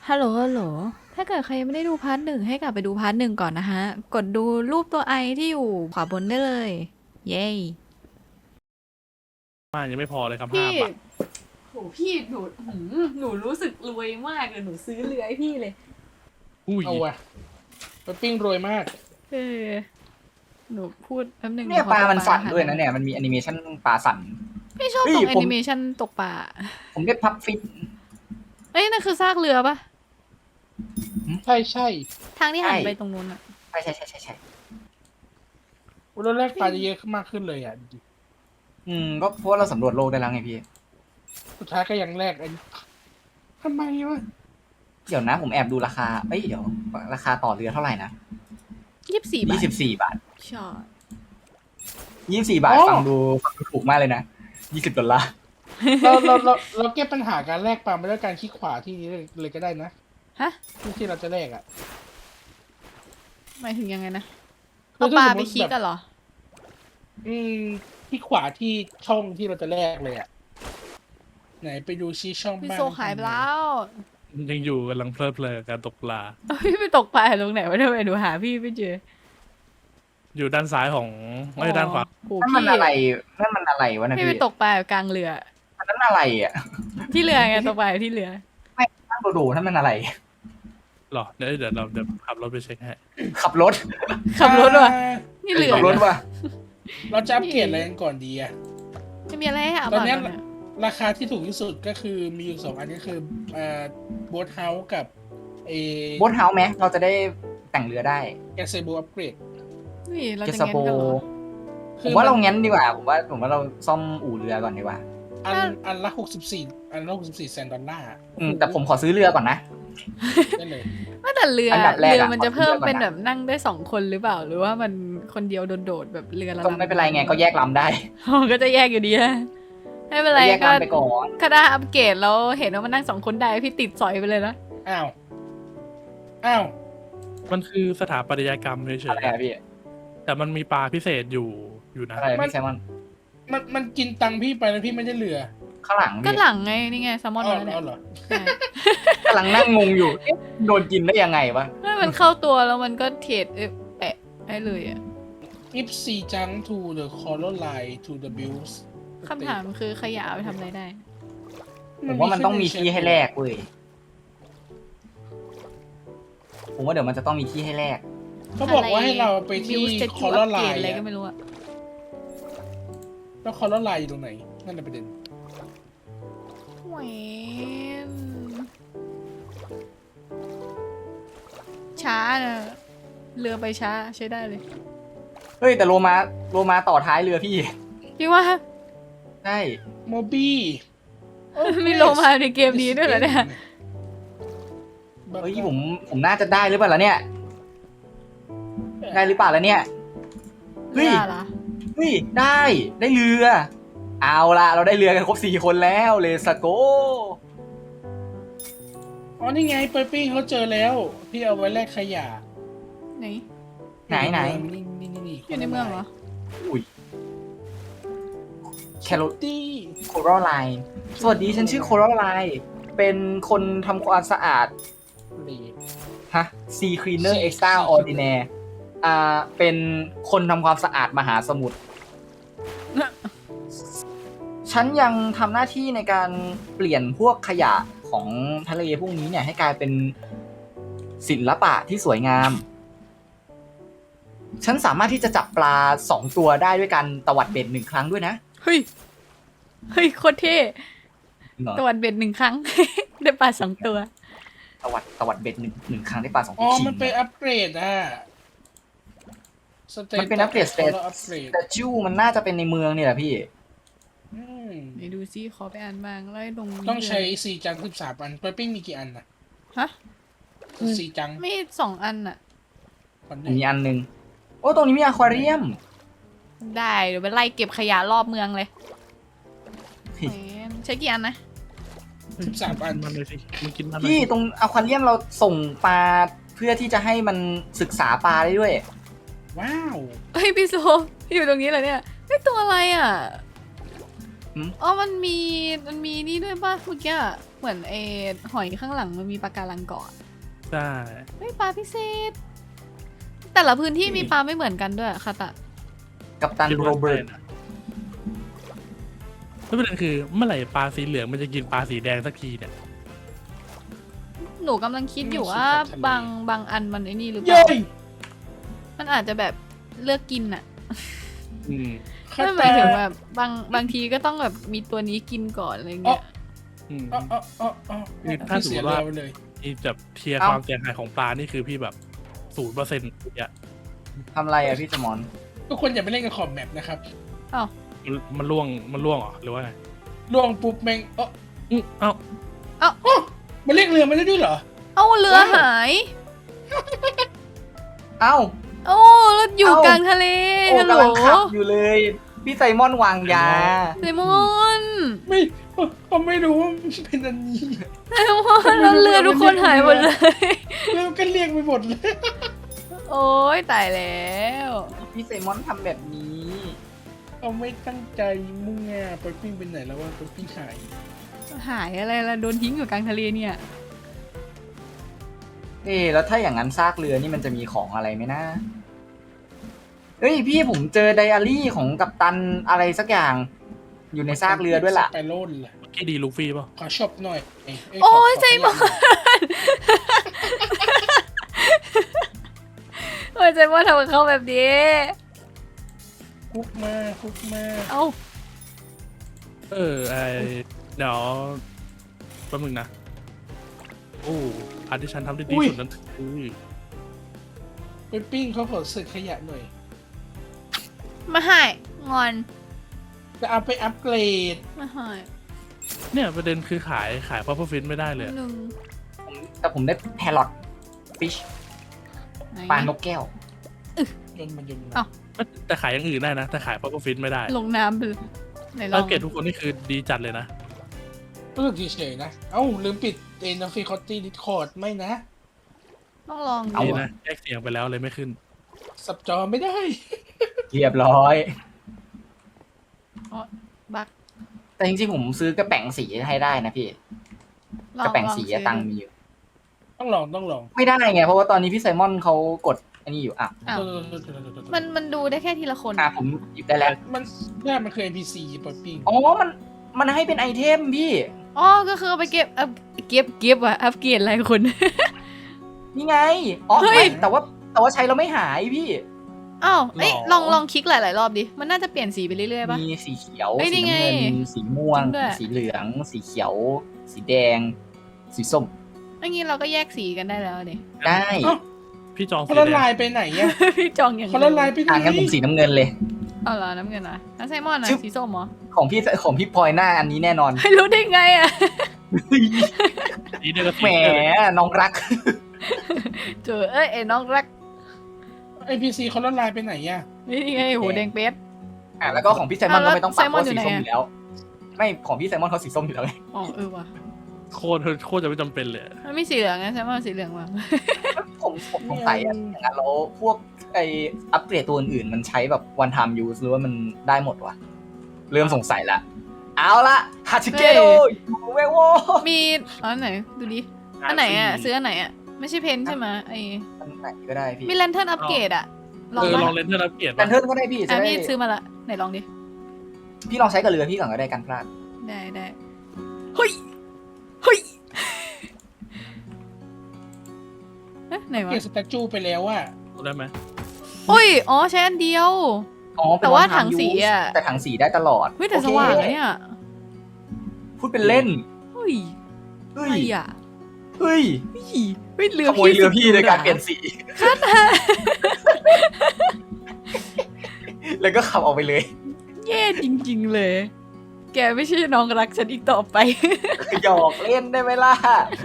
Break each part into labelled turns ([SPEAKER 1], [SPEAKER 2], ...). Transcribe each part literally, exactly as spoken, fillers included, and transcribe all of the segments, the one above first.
[SPEAKER 1] ฮัลโหลฮัลโหลถ้าเกิดใครยังไม่ได้ดูพาร์ทหนึ่งให้กลับไปดูพาร์ทหนึ่งก่อนนะฮะ กดดูรูปตัวไอที่อยู่ขวาบนได้เลย เย้
[SPEAKER 2] บ้านยังไม่พอเลยครับห้า
[SPEAKER 1] พี่
[SPEAKER 2] บาท
[SPEAKER 1] โหพี่หนูหืมหนูรู้สึกรวยมากเลยหนูซื้อเรือให้พี่เลย
[SPEAKER 2] อุ้ย
[SPEAKER 3] เอาว่ะไปปิ้งรวยมาก
[SPEAKER 1] เออ หนูพูดแป๊บนึง
[SPEAKER 4] เนี่ย
[SPEAKER 1] หขอ
[SPEAKER 4] ปลา มันสั่น
[SPEAKER 1] ห
[SPEAKER 4] ด้วยนะเนี่ยมันมีแอนิเมชันปลาสั่น
[SPEAKER 1] พี่ชอบ
[SPEAKER 4] เฮ้ย
[SPEAKER 1] ตรงแอ
[SPEAKER 4] ผม
[SPEAKER 1] นิเมชันตกปลา
[SPEAKER 4] ผมได้พับฟิต
[SPEAKER 1] เอ้ยนั่นคือซากเรือปะ
[SPEAKER 3] ใช่ใช่
[SPEAKER 1] ทางที่หัน
[SPEAKER 4] ใช่
[SPEAKER 1] ไปตรงนู้นอะ
[SPEAKER 4] ใช่ใช่ใช่ใช่ใช่
[SPEAKER 3] วันแรกปลาจะเยอะขึ้นมากขึ้นเลยอ่ะ
[SPEAKER 4] อืมก็เพราะว่าเราสำรวจโลกได้แล้วไงพี่
[SPEAKER 3] สุดท้ายก็ยังแรกไอ้ทำไมวะ
[SPEAKER 4] เดี๋ยวนะผมแอบดูราคาเอ้ยเดี๋ยวราคาต่อเรือเท่าไหร่นะ
[SPEAKER 1] ยี่สิบสี่บาท
[SPEAKER 4] ยี่สิบสี่บาท
[SPEAKER 1] ใช่
[SPEAKER 4] ยี่สิบสี่บาทฟังดูฟังดูถูกมากเลยนะยี่สิบดอลลาร์
[SPEAKER 3] เราเราเราเราแก้ปัญหาการแลกปลาไม่ด้วยการคลิกขวาที่นี้เลยก็ได้นะ
[SPEAKER 1] ฮะ
[SPEAKER 3] ที่ที่เราจะแลกอ่ะ
[SPEAKER 1] หมายถึงยังไงนะ
[SPEAKER 3] คื
[SPEAKER 1] เอา
[SPEAKER 3] อ
[SPEAKER 1] ปลา
[SPEAKER 3] ถ้าสม
[SPEAKER 1] ไป
[SPEAKER 3] มุติ
[SPEAKER 1] คิด
[SPEAKER 3] แบบ
[SPEAKER 1] กันเหรอ
[SPEAKER 3] อืมคลิกขวาที่ช่องที่เราจะแลกเลยอ่ะไหนไปดูชี้ช่อง
[SPEAKER 1] พี่
[SPEAKER 3] บ้าง
[SPEAKER 1] โซขายไปแล้ว
[SPEAKER 2] ยังอยู่กำลังเพลิดเพลินกับการตกปลา
[SPEAKER 1] พี่ไปตกปลาตรงไหนวะทำไมหนูหาพี่ไม่เจอ
[SPEAKER 2] อยู่ด้านซ้ายของไม่ใช่ด้านขวา
[SPEAKER 1] โอ้
[SPEAKER 4] นั่น
[SPEAKER 1] โห
[SPEAKER 4] มัน
[SPEAKER 1] พี่
[SPEAKER 4] อะไรนั่นมันอะไรวะนะ
[SPEAKER 1] พี่ไป
[SPEAKER 4] พี่
[SPEAKER 1] ตกปลาอยู่กลางเรือ
[SPEAKER 4] อันนั้นอะไรอ่ะ
[SPEAKER 1] ที่เรือไงตกปลาอยู่ที่เรือ
[SPEAKER 4] นั่งดูๆนั่นมันอะไร
[SPEAKER 2] หรอเดี๋ยวเดี๋ยวเราเดี๋ยวขับรถไปเช็คให้
[SPEAKER 4] ขับรถ
[SPEAKER 1] ขับรถว่ะ
[SPEAKER 3] อ่า
[SPEAKER 1] นี่เรือ
[SPEAKER 4] ขับรถว่ะ
[SPEAKER 3] เราจะอัปเกรดอะไรกันก่อนดีอ่ะ
[SPEAKER 1] จะมีอะไรให้หา
[SPEAKER 3] ตอน
[SPEAKER 1] บ้าง
[SPEAKER 3] เนี้ย
[SPEAKER 1] เนี่ย
[SPEAKER 3] ราคาที่ถูกที่สุดก็คือมีอยู่สองอันก็คืออ่าโบ๊ทเฮาส์กับเอ
[SPEAKER 4] โบ๊ทเฮาส์ไหมเราจะได้แต่งเรือได้
[SPEAKER 3] แกเซโบอัปเกรด
[SPEAKER 1] นี่เรา
[SPEAKER 4] เจ
[SPEAKER 1] จะ
[SPEAKER 4] ส
[SPEAKER 1] เงี้ย
[SPEAKER 4] โป
[SPEAKER 1] กันเหรอ
[SPEAKER 4] ผมว่าเรางั้นดีกว่าผมว่าผมว่าเราซ่อมอู่เรือก่อนดีกว่า
[SPEAKER 3] อันอันละหกสิบสี่อันละหกสิบสี่แสนดอลลาร์
[SPEAKER 4] อืมแต่ผมขอซื้อเรือก่อนนะ
[SPEAKER 3] ได้เลย
[SPEAKER 1] ว่าแต่เรือ
[SPEAKER 4] อันดับแรกอะ
[SPEAKER 1] เรือมันจะเพิ่ม
[SPEAKER 4] ขอเรือก่อนนะ
[SPEAKER 1] เป็นแบบนั่งได้สองคนหรือเปล่า หรือว่ามันคนเดียวโดดๆแบบเรือละ
[SPEAKER 4] ก็ไม่เป็นไรไงก็แยกลำได้
[SPEAKER 1] อ๋อก็จะแยกอยู่ดีนะไม่เป็นไร
[SPEAKER 4] แยก
[SPEAKER 1] ก็
[SPEAKER 4] ลำไปก่อน
[SPEAKER 1] ก็ได้อัปเกรดแล้วเห็นว่ามันนั่งสองคนได้พี่ติดสอยไปเลยนะ
[SPEAKER 3] อ้าว อ้าว
[SPEAKER 2] มันคือสถาปัตยกรรมเฉ
[SPEAKER 4] อะไร
[SPEAKER 2] ย
[SPEAKER 4] อะพี่
[SPEAKER 2] ๆแต่มันมีปลาพิเศษอยู่อยู่นะ
[SPEAKER 4] อะไรพี่แซมมอน
[SPEAKER 3] มันมันกินตังค์พี่ไปแล้วพี่ไม่ได้เหลือ
[SPEAKER 4] ข้างหลัง
[SPEAKER 1] ก็
[SPEAKER 4] พี่
[SPEAKER 1] หลังไงนี่ไงแซลมอน
[SPEAKER 3] เอา
[SPEAKER 1] มาแล้วเนี่ย
[SPEAKER 3] เอาเหรอ
[SPEAKER 1] ใช่
[SPEAKER 4] กำลังนั่งงงอยู่เอ๊ะโดนกินได้ยังไงวะ
[SPEAKER 1] ให้มันเข้าตัวแล้วมันก็เทรดเอ๊ะแปะได้เลยอ่ะ
[SPEAKER 3] if sea junk to the coral line to the bills
[SPEAKER 1] คำถามคือขยะเอาไปทำอะไรได้
[SPEAKER 4] ผมว่ามันต้องมีที่ให้แลกเว้ยผมว่าเดี๋ยวมันจะต้องมีที่ให้แลก
[SPEAKER 3] เขาบอกว่าให้เราไปที่
[SPEAKER 1] Build statue
[SPEAKER 3] coral
[SPEAKER 1] upgrade
[SPEAKER 3] line
[SPEAKER 1] อะไรก็
[SPEAKER 3] อะ
[SPEAKER 1] ไม่รู้อะ
[SPEAKER 3] แล้ว coral line อยู่ตรงไหน นั่นแหละประเด็น
[SPEAKER 1] แหวนช้านะเรือไปช้าใช้ได้เลย
[SPEAKER 4] เฮ้ยแต่โลมาโลมาต่อท้ายเรือพี่
[SPEAKER 1] พี่ว่า
[SPEAKER 4] ใช่
[SPEAKER 3] โมบี้
[SPEAKER 1] มีโลมาในเกมนี้ด้วยเหรอเนี่ย
[SPEAKER 4] เฮ้ยผมผมน่าจะได้หรือเปล่าล่ะเนี่ย ได้หรือเปล่าล่ะเนี่ย เฮ้ย
[SPEAKER 1] เรือเหรอ
[SPEAKER 4] เฮ้ยได้ได้เรือ เอาละเราได้เรือกันครบสี่คนแล้วเลสโก
[SPEAKER 3] อ๋อ นี่ไงเปปิ้งเขาเจอแล้วที่เอาไว้แลกขยะ
[SPEAKER 1] ไหน
[SPEAKER 4] ไหนไหน
[SPEAKER 3] นี่นี่นี่
[SPEAKER 1] อยู่ในเมืองเหรอ
[SPEAKER 4] อุ้ยแคโร
[SPEAKER 3] ตี้
[SPEAKER 4] โคโรไลน์สวัสดีฉันชื่อโคโรไลน์เป็นคนทำความสะอาด
[SPEAKER 3] นี่
[SPEAKER 4] ฮะ Sea Cleaner
[SPEAKER 3] Sea
[SPEAKER 4] Extraordinaire อ่า เป็นคนทำความสะอาดมหาสมุทร ฉันยังทำหน้าที่ในการเปลี่ยนพวกขยะของทะเลพวกนี้เนี่ยให้กลายเป็นศิลปะที่สวยงาม ฉันสามารถที่จะจับปลาสองตัวได้ด้วยการตวัดเบ็ดหนึ่งครั้งด้วยนะ
[SPEAKER 1] เฮ้ย เฮ้ยโคตรเท่
[SPEAKER 4] จริงเหรอ
[SPEAKER 1] ตะวันเบ็ดหนึ่งครั้ง ได้ปลาสองตัว
[SPEAKER 4] ตวัดตวัดเบ็ดหนึ่งหนึ่งครั้งได้ปลาสอง
[SPEAKER 3] อ๋
[SPEAKER 4] ตัว
[SPEAKER 3] อ
[SPEAKER 4] ขิง
[SPEAKER 3] มันเป็นอัปเกรดอ่ะ
[SPEAKER 4] มันเป็นอัปเกรดสเต
[SPEAKER 3] แล้วอัปเกรด
[SPEAKER 4] แต่จูมันน่าจะเป็นในเมืองนี่แหละพี่
[SPEAKER 3] อืม
[SPEAKER 1] ไหนดูซิขอไปอ่านบ้างแล้วไอ้ตรงนี้
[SPEAKER 3] ต้องใช้ซีจังสิบสามอันเปปิ้งมีกี่อันน่ะ
[SPEAKER 1] ฮะ
[SPEAKER 3] ซีจัง
[SPEAKER 1] ไม่สองอันอะ
[SPEAKER 3] คนห
[SPEAKER 4] มี
[SPEAKER 3] นึ่ง
[SPEAKER 4] อันหนึง โอ้ตรงนี้มีอควาเรียม
[SPEAKER 1] ได้เดี๋ยวไปไล่เก็บขยะรอบเมืองเลย
[SPEAKER 4] เฮ้ย
[SPEAKER 1] แหมใช้กี่อันนะ
[SPEAKER 3] สิบสามอัน
[SPEAKER 2] มันเลยสิมันกินมันเลย
[SPEAKER 4] พี่ตรงอควาเรียมเราส่งปลาเพื่อที่จะให้มันศึกษาปลาได้ด้วย
[SPEAKER 3] ว้าว
[SPEAKER 1] เฮ้ยพี่โซอยู่ตรงนี้เหรอเนี่ยไอ้ตัวอะไรอ่ะอ๋อมันมีมันมีนี่ด้วยป่ะเมื่อกี้อะเหมือนเอหอยข้างหลังมันมีปลาการังเกาะ
[SPEAKER 2] ใช่
[SPEAKER 1] เฮ้ยปลาพิเศษ แต่ละพื้นที่มีปลาไม่เหมือนกันด้วยค่ะตะ
[SPEAKER 4] กัปตัน
[SPEAKER 2] คิด
[SPEAKER 4] โร
[SPEAKER 2] ว่า
[SPEAKER 4] เบิร์ต
[SPEAKER 2] ใช่นะแล้วประเด็นคือเมื่อไหร่ปลาสีเหลืองมันจะกินปลาสีแดงสักทีเนี่ย
[SPEAKER 1] หนูกำลังคิดอยู่ว่าบางบางอันมันไอ้นี่หรือเป
[SPEAKER 3] เย้
[SPEAKER 1] ล่า มันอาจจะแบบเลือกกินอะ
[SPEAKER 2] อืม
[SPEAKER 3] ข้า
[SPEAKER 1] ไม่ห
[SPEAKER 3] ต
[SPEAKER 1] มายถึงแบบบางบางทีก็ต้องแบบมีตัวนี้กินก่อนอะไรเงี้ย
[SPEAKER 2] อืม
[SPEAKER 3] อ๋ออ๋ออ๋ออ๋อ
[SPEAKER 2] คือถ้าสมมุติว่า
[SPEAKER 3] เสียเรือไปเลย
[SPEAKER 2] ที่แบบเทียร์ความเสียหายของปลานี่คือพี่แบบศูนย์เปอร์เซ็นต์เนี่ย
[SPEAKER 4] ทำอะไรอะพี่สมอน
[SPEAKER 3] ทุกคนอย่าไปเล่นกับขอบแมปนะครับ
[SPEAKER 1] อ้าว
[SPEAKER 2] มันมันล่วงมันล่วงเหรอหรือว่าไง
[SPEAKER 3] ล่วงปุ๊บแม่งเออ
[SPEAKER 2] อืมเอ้า
[SPEAKER 3] มันเรียกเรือมาได้ด้วยเหรอ
[SPEAKER 1] เอ้าเรือหาย
[SPEAKER 4] เอ้า
[SPEAKER 1] โอ้แล้วอยู่
[SPEAKER 4] เอ้าก
[SPEAKER 1] ลางทะเล
[SPEAKER 4] โอ้
[SPEAKER 1] ฮัลโหล
[SPEAKER 4] กำลังขับอยู่เลย พี่ไซมอนวางยา
[SPEAKER 1] ไซมอน
[SPEAKER 3] ไม่เขาไม่รู้ว่ามันเป็นอันนี้
[SPEAKER 1] ไซมอนแล้วเรือทุกคนหายหมดเลย
[SPEAKER 3] เรือก็เรียกไปหมดเลย
[SPEAKER 1] โอ้ยตายแล้ว
[SPEAKER 4] พี่ไซมอนทำแบบนี้
[SPEAKER 3] เขาไม่ตั้งใจมุ่งงาไปปิ้งเป็นไหนแล้วว่าไปปิ้งหาย
[SPEAKER 1] หายอะไรล่ะโดนทิ้งอยู่กลางทะเลเนี่ย
[SPEAKER 4] เอ๊ะแล้วถ้าอย่างนั้นซากเรือนี่มันจะมีของอะไรไหมนะเฮ้ยพี่ผมเจอไดอารี่ของกัปตันอะไรสักอย่าง อยู่ในซากเรือด้วยล่ะ
[SPEAKER 3] ไปโล่นล่ะ
[SPEAKER 2] เมื่อกี้ดีลูฟี่ป่ะ
[SPEAKER 3] ขอชอบหน่อยเอ้ยเ
[SPEAKER 1] โอ้ย
[SPEAKER 3] ข
[SPEAKER 1] ใจมอน
[SPEAKER 3] ขขยัน
[SPEAKER 1] โอ้ยใจมอนทำกับเขาแบบนี้
[SPEAKER 3] คุกมาคุกมา
[SPEAKER 1] เอ้า
[SPEAKER 2] เออไอเดี๋ยวแป๊บนึงนะโอ้อันที่ฉันทำได้ดีสุดนั้นคือ
[SPEAKER 3] ไปปิ้งเขาขอเศษขยะหน่อย
[SPEAKER 1] มาหายงอน
[SPEAKER 3] จะเอาไปอัปเกรด
[SPEAKER 1] มาหาย
[SPEAKER 2] เนี่ยประเด็นคือขายขายพัฟเฟอร์ฟินไม่ได้เลยอะ
[SPEAKER 1] หนึ่ง
[SPEAKER 4] ผมแต่ผมได้แพรอทฟิช
[SPEAKER 1] ไหน
[SPEAKER 4] ปลานกแก้ว
[SPEAKER 3] ยนต์มันยนต์
[SPEAKER 1] เอ้า
[SPEAKER 2] แต่ขายอย่างอื่นได้นะ แต่ขายพัฟเฟอร์ฟินไม่ได้
[SPEAKER 1] ลงน้ำไปเลยไหนลอ
[SPEAKER 2] แล้ว
[SPEAKER 1] ง
[SPEAKER 2] เกตทุกคนนี่คือดีจัดเลยนะ
[SPEAKER 3] รู้สึกเฉยๆนะ เอ้า ลืมปิดเอ็นฟิคอตตี้ดิสคอร์ดไม่นะ
[SPEAKER 1] ต้องลอง
[SPEAKER 4] เอา
[SPEAKER 1] ดู
[SPEAKER 2] ดี
[SPEAKER 1] อะ
[SPEAKER 2] นะแยกเสียงไปแล้วเลยไม่ขึ้น
[SPEAKER 3] สับจอไม่ได้
[SPEAKER 4] เรียบร้อย
[SPEAKER 1] บัก
[SPEAKER 4] แต่จริงๆผมซื้อกระแป๋งสีให้ได้นะพี่
[SPEAKER 1] ลอก
[SPEAKER 4] ระแป๋งสี
[SPEAKER 1] ลอ
[SPEAKER 4] อะ
[SPEAKER 1] ซื้อ
[SPEAKER 4] ตังค์มีอยู่
[SPEAKER 3] ต้องลองต้องลอง
[SPEAKER 4] ไม่ได้ไง เพราะว่าตอนนี้พี่ไซมอนเขากดอันนี้อยู่อ่ะ
[SPEAKER 1] อ้าว
[SPEAKER 3] เออๆๆๆๆ
[SPEAKER 1] มันมันดูได้แค่ทีละคน
[SPEAKER 4] อ่ะผมหยิบได้แล้ว
[SPEAKER 3] มันน่ามันคือ เอ็น พี ซี ปล่อยปิ้ง
[SPEAKER 4] อ๋อ มัน มันให้เป็นไอเทมพี่
[SPEAKER 1] อ๋อก็คือเอาไปเก็บอัพเก็บเก็บอะอัพเกรดอะไรคน
[SPEAKER 4] นี่ไง อ๋อ
[SPEAKER 1] เฮ้ย
[SPEAKER 4] ไม่แต่ว่าแต่ว่าใช้เราไม่หายพี่
[SPEAKER 1] อ้าวเอ้ย
[SPEAKER 4] หรอ
[SPEAKER 1] ลองลองคลิกหลาย ๆ รอบดิ มันน่าจะเปลี่ยนสีไปเรื่อย ๆ ป่ะ
[SPEAKER 4] มีสีเขียว
[SPEAKER 1] เฮ้ย
[SPEAKER 4] สี
[SPEAKER 1] นี่ไง
[SPEAKER 4] น้ำเงิน สีม่วง
[SPEAKER 1] จริงด้วย
[SPEAKER 4] สีเหลือง สีเขียว สีแดง สีส้ม
[SPEAKER 1] อย่างงี้เราก็แยกสีกันได้แล้วดิ
[SPEAKER 4] ได้
[SPEAKER 3] เอ้า
[SPEAKER 2] พี่จอง
[SPEAKER 3] เขา
[SPEAKER 2] สี
[SPEAKER 3] ละ
[SPEAKER 2] แด
[SPEAKER 3] ลาง ยไปไหนอะ
[SPEAKER 1] พี่จองอย่าง
[SPEAKER 3] เขาละลายไปไหน
[SPEAKER 4] อ่างั้นผมสีน้ำเงินเลย
[SPEAKER 1] เอาเหรอน้ำเงินเหรอแล้วไซมอนอะ
[SPEAKER 4] ชึบ
[SPEAKER 1] สีส้มเหรอ
[SPEAKER 4] ของพี่ของพี่พลอยหน้าอันนี้แน่นอน
[SPEAKER 1] ไม่รู้ได้ไงอะ
[SPEAKER 2] สีเดียวกับสี
[SPEAKER 4] แหม
[SPEAKER 2] เดียวเลย
[SPEAKER 4] น้องรัก
[SPEAKER 1] เจอเอ้ยไอ้น้องรัก
[SPEAKER 3] เอ็น พี ซี เขาละลายไปไหนอะ
[SPEAKER 1] นี่ไงหูแดงเป็ด
[SPEAKER 4] อ่ะแล้วก็ของพี่ไซมอน
[SPEAKER 1] อ่ะ
[SPEAKER 4] ก็ไม่ต้องปรับ
[SPEAKER 1] แล้ว
[SPEAKER 4] เพราะ
[SPEAKER 1] ไซมอนอยู่
[SPEAKER 4] สีส้ม
[SPEAKER 1] ไหน
[SPEAKER 4] อ
[SPEAKER 1] อ่ะ
[SPEAKER 4] ยู่แล้ว ไม่ของพี่ไซมอนเขาสีส้มอยู่แล้วไง
[SPEAKER 1] อ๋อเออว่ะ
[SPEAKER 2] โคตรโคตรจะไม่จำเป็นเลย
[SPEAKER 1] มันไม่สีเหลืองไงไซมอนสีเหลืองว่ะ
[SPEAKER 4] ผมผมสงสัยอะอย่างนั้นแล้วพวกไออัปเกรดตัวอื่นๆมันใช้แบบ one time use หรือว่ามันได้หมดวะเริ่มสงสัยละ เอาละฮาชิเกโดยูเวโว
[SPEAKER 1] มีอ๋อไหนดูดิอันไหนอะซื้ออันไหนอะไม่ใช่เพนใช่ไหมไอ้
[SPEAKER 4] อันไหนก็ได้พี่
[SPEAKER 1] มีแลนเทิร์นอัปเกรดอะลอง
[SPEAKER 2] เออ
[SPEAKER 1] ปะ
[SPEAKER 2] ลองเลนเทอร์อัปเกรด
[SPEAKER 4] แลนเทิร์นก็ได้พี่จะ
[SPEAKER 1] อ่ะ
[SPEAKER 4] ได้
[SPEAKER 1] พี่ซื้อมาละไหนลองดิ
[SPEAKER 4] พี่ลองใช้กับเรือพี่ก่อนก็ได้กันพลาด
[SPEAKER 1] ได้ได้เฮ้ยเฮ้ยเอ๊ะไหนวะ
[SPEAKER 3] เก็บสแตจูไปแล้วอะ
[SPEAKER 2] ได้ไหม
[SPEAKER 1] โอ้ยอ๋อใช้อันเดียว
[SPEAKER 4] อ๋อเป็น
[SPEAKER 1] แต่ว่า
[SPEAKER 4] one time
[SPEAKER 1] ถังสี
[SPEAKER 4] use
[SPEAKER 1] อะ
[SPEAKER 4] แต่ถังสีได้ตลอด
[SPEAKER 1] เฮ้ยแต่
[SPEAKER 4] โอค
[SPEAKER 1] สว่างอะเนี่ย
[SPEAKER 4] พูดเป็นเล่น
[SPEAKER 1] เฮ้ย
[SPEAKER 4] เฮ้
[SPEAKER 1] อะไร
[SPEAKER 4] ย
[SPEAKER 1] อะ
[SPEAKER 4] เฮ้ย
[SPEAKER 1] เฮ้ยเฮ้ยเรือ
[SPEAKER 4] ขโมยเรือพี่โดยการเปลี่ยนสี แล้วก็ขับออกไปเลย
[SPEAKER 1] แย่จริง ๆ เลย แกไม่ใช่น้องรักฉันอีกต่อไป
[SPEAKER 4] หยอกเล่นได้ไหมล่ะ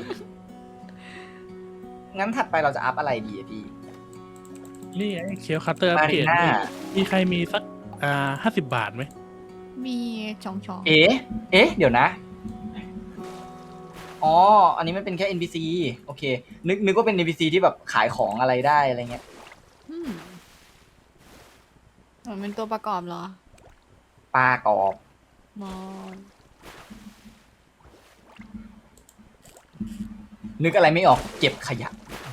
[SPEAKER 4] งั้นถัดไปเราจะอัพอะไรดีอะพี่
[SPEAKER 2] นี่ไอ้เคียวคัตเตอร์อัป
[SPEAKER 4] มา
[SPEAKER 2] เกร
[SPEAKER 4] รี
[SPEAKER 2] ด
[SPEAKER 4] น่า
[SPEAKER 2] มีใครมีสักอ่าห้าสิบบาทไหม
[SPEAKER 1] มีช่องช่อง
[SPEAKER 4] เอ๊ะ เอ๊ะ เดี๋ยวนะ อ๋อ อันนี้มันเป็นแค่ เอ็น พี ซี โอเค นึกนึกว่าเป็น เอ็น พี ซี ที่แบบขายของอะไรได้อะไรเงี้ย
[SPEAKER 1] อืมมันเป็นตัวประกอบเหรอ
[SPEAKER 4] ปลากรอบ
[SPEAKER 1] มอน
[SPEAKER 4] นึกอะไรไม่ออกเก็บขยะ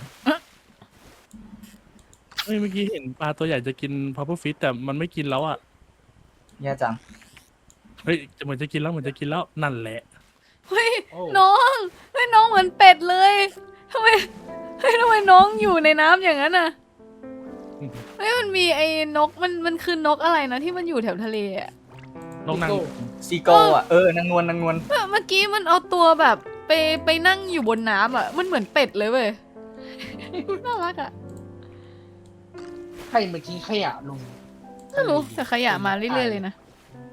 [SPEAKER 2] เฮ้ยเมื่อกี้เห็นปลาตัวใหญ่จะกินพัฟเฟิลฟิชแต่มันไม่กินแล้วอ่ะ
[SPEAKER 4] แย่จัง
[SPEAKER 2] เฮ้ยจะเหมือนจะกินแล้วเหมือนจะกินแล้วนั่นแหละ
[SPEAKER 1] เฮ้ย
[SPEAKER 3] โอ้
[SPEAKER 1] น้องเฮ้ยน้องเหมือนเป็ดเลยทำไมเฮ้ยทำไมน้องอยู่ในน้ำอย่างนั้นอ่ะเฮ้ยมันมีไอ้นกมันมันคือนกอะไรนะที่มันอยู่แถวทะเลอ่ะ
[SPEAKER 2] น้องนาง
[SPEAKER 4] ซีโกอ่ะ เออนางนวลนางนวล
[SPEAKER 1] เมื่อเมื่อกี้มันเอาตัวแบบไปไปนั่งอยู่บนน้ำอ่ะมันเหมือนเป็ดเลยเว้ย น่ารักอ่ะ
[SPEAKER 3] ใครเมื่อกี้ขยะลง
[SPEAKER 1] ไม่รู้แต่ขยะมาเรื่อยๆเลยนะ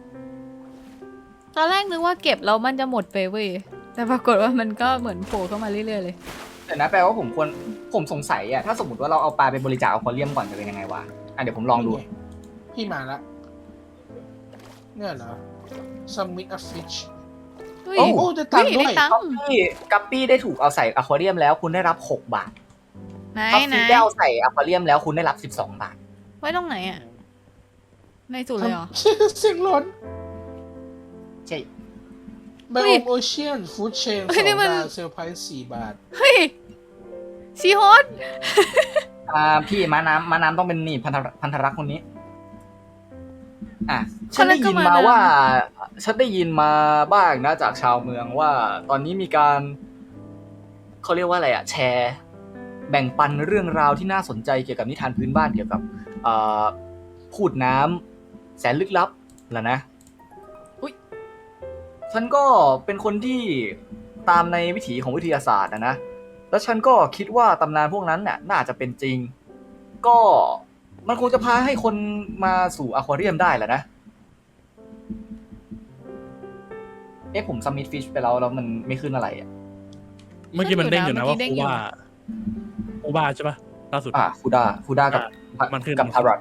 [SPEAKER 1] ตอนแรกนึกว่าเก็บแล้วมันจะหมดไปเว้ยแต่ปรากฏว่ามันก็เหมือนโผล่เข้ามาเรื่อยๆเลย
[SPEAKER 4] แต่นะแปลว่าผมควรผมสงสัยอ่ะถ้าสมมติว่าเราเอาปลาไปบริจาคอควาเรียมก่อนจะเป็นยังไงวะอ่ะเดี๋ยวผมลองดู
[SPEAKER 3] พี่มาละเนี่ยเหรอ submit a fish
[SPEAKER 1] เฮ้ย
[SPEAKER 4] โอ้
[SPEAKER 3] โอ้ได้ตังค์
[SPEAKER 1] เฮ้ย
[SPEAKER 3] ด้ว
[SPEAKER 1] ได้
[SPEAKER 3] ย
[SPEAKER 1] ตังค์
[SPEAKER 4] ที่กัปปี้ได้ถูกเอาใส่อควาเรียมแล้วคุณได้รับหกบาท
[SPEAKER 1] ไหน
[SPEAKER 4] ท็อป
[SPEAKER 1] ไหน
[SPEAKER 4] ฟี่ได้เอาใส่อควาเรียมแล้วคุณได้รับสิบสองบาท
[SPEAKER 1] ไว้ตรงไหนอ่ะในสุดเลยเหรอ
[SPEAKER 3] เสียงร้อน
[SPEAKER 4] ใช่
[SPEAKER 3] ไบ
[SPEAKER 1] เฮ้
[SPEAKER 3] โอย มโอเชียนฟู้ดเชน
[SPEAKER 1] เฮ้
[SPEAKER 3] ส
[SPEAKER 1] ย
[SPEAKER 3] อง
[SPEAKER 1] นี่มัน
[SPEAKER 3] ดาวเซลไพรส์สี่บาท
[SPEAKER 1] เฮ้ยซีฮอต
[SPEAKER 4] อ่าพี่ม้าน้ำม้าน้ำต้องเป็นนี่พันธพันธรักษ์คนนี้ อ่ะ
[SPEAKER 1] ค
[SPEAKER 4] ฉัน
[SPEAKER 1] นนั้
[SPEAKER 4] ได้
[SPEAKER 1] นก็
[SPEAKER 4] ยิน
[SPEAKER 1] มา
[SPEAKER 4] มา
[SPEAKER 1] นะ
[SPEAKER 4] ว่า ฉันได้ยินมาบ้างนะจากชาวเมืองว่า ตอนนี้มีการเขาเรียกว่าอะไรอะแชร์ แบ่งปันเรื่องราวที่น่าสนใจเกี่ยวกับนิทานพื้นบ้านเกี่ยวกับเอ่อพูดน้ำแสนลึกลับแล้วนะ
[SPEAKER 1] อุ๊ย
[SPEAKER 4] ฉันก็เป็นคนที่ตามในวิถีของวิทยาศาสตร์นะนะ แล้วฉันก็คิดว่าตำนานพวกนั้นน่ะน่าจะเป็นจริง ก็มันคงจะพาให้คนมาสู่อควาเรียมได้แหละนะ เอ๊ะผมซัมมิตฟิชไปแล้วแล้วมันไม่ขึ้นอะไรอ่ะ
[SPEAKER 2] เมื่อกี้มันเด้งอยู่นะ
[SPEAKER 1] เมื่
[SPEAKER 2] ว่า
[SPEAKER 1] อกี้เด้ง
[SPEAKER 2] คู
[SPEAKER 1] อยู่
[SPEAKER 2] บ้าคูบ้าใช่ปะล่าสุด
[SPEAKER 4] อ่ะคูด้าคูด้ากับ
[SPEAKER 2] อ่ะมันขึ้น
[SPEAKER 4] กับทารอต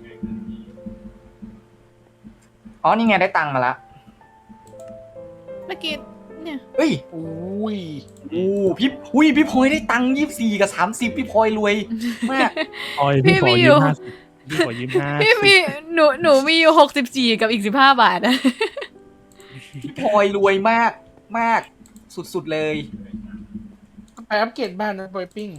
[SPEAKER 4] อ๋อ นี่ไงได้ตังค์มาละ
[SPEAKER 1] เมื่อกี้เนี่ย
[SPEAKER 4] เฮ้ย
[SPEAKER 3] อุ้ย
[SPEAKER 4] อู้พี่อุ้ยพี่พลอยได้ตังค์ยี่สิบสี่กับสามสิบพี่พลอยรวยมาก
[SPEAKER 2] ออย
[SPEAKER 1] พี่
[SPEAKER 2] พี่ขอ
[SPEAKER 1] มีอ
[SPEAKER 2] ยื
[SPEAKER 1] ยู่
[SPEAKER 2] มห้าสิบพี่ขอยืมห้า
[SPEAKER 1] พี่มีหนูหนูมีอยู่หกสิบสี่กับอีกสิบห้าบาทนะ
[SPEAKER 4] พี่พลอยรวยมากมากสุดๆเลย
[SPEAKER 3] ไปอัปเกรดบ้านนะบอยปิ้ง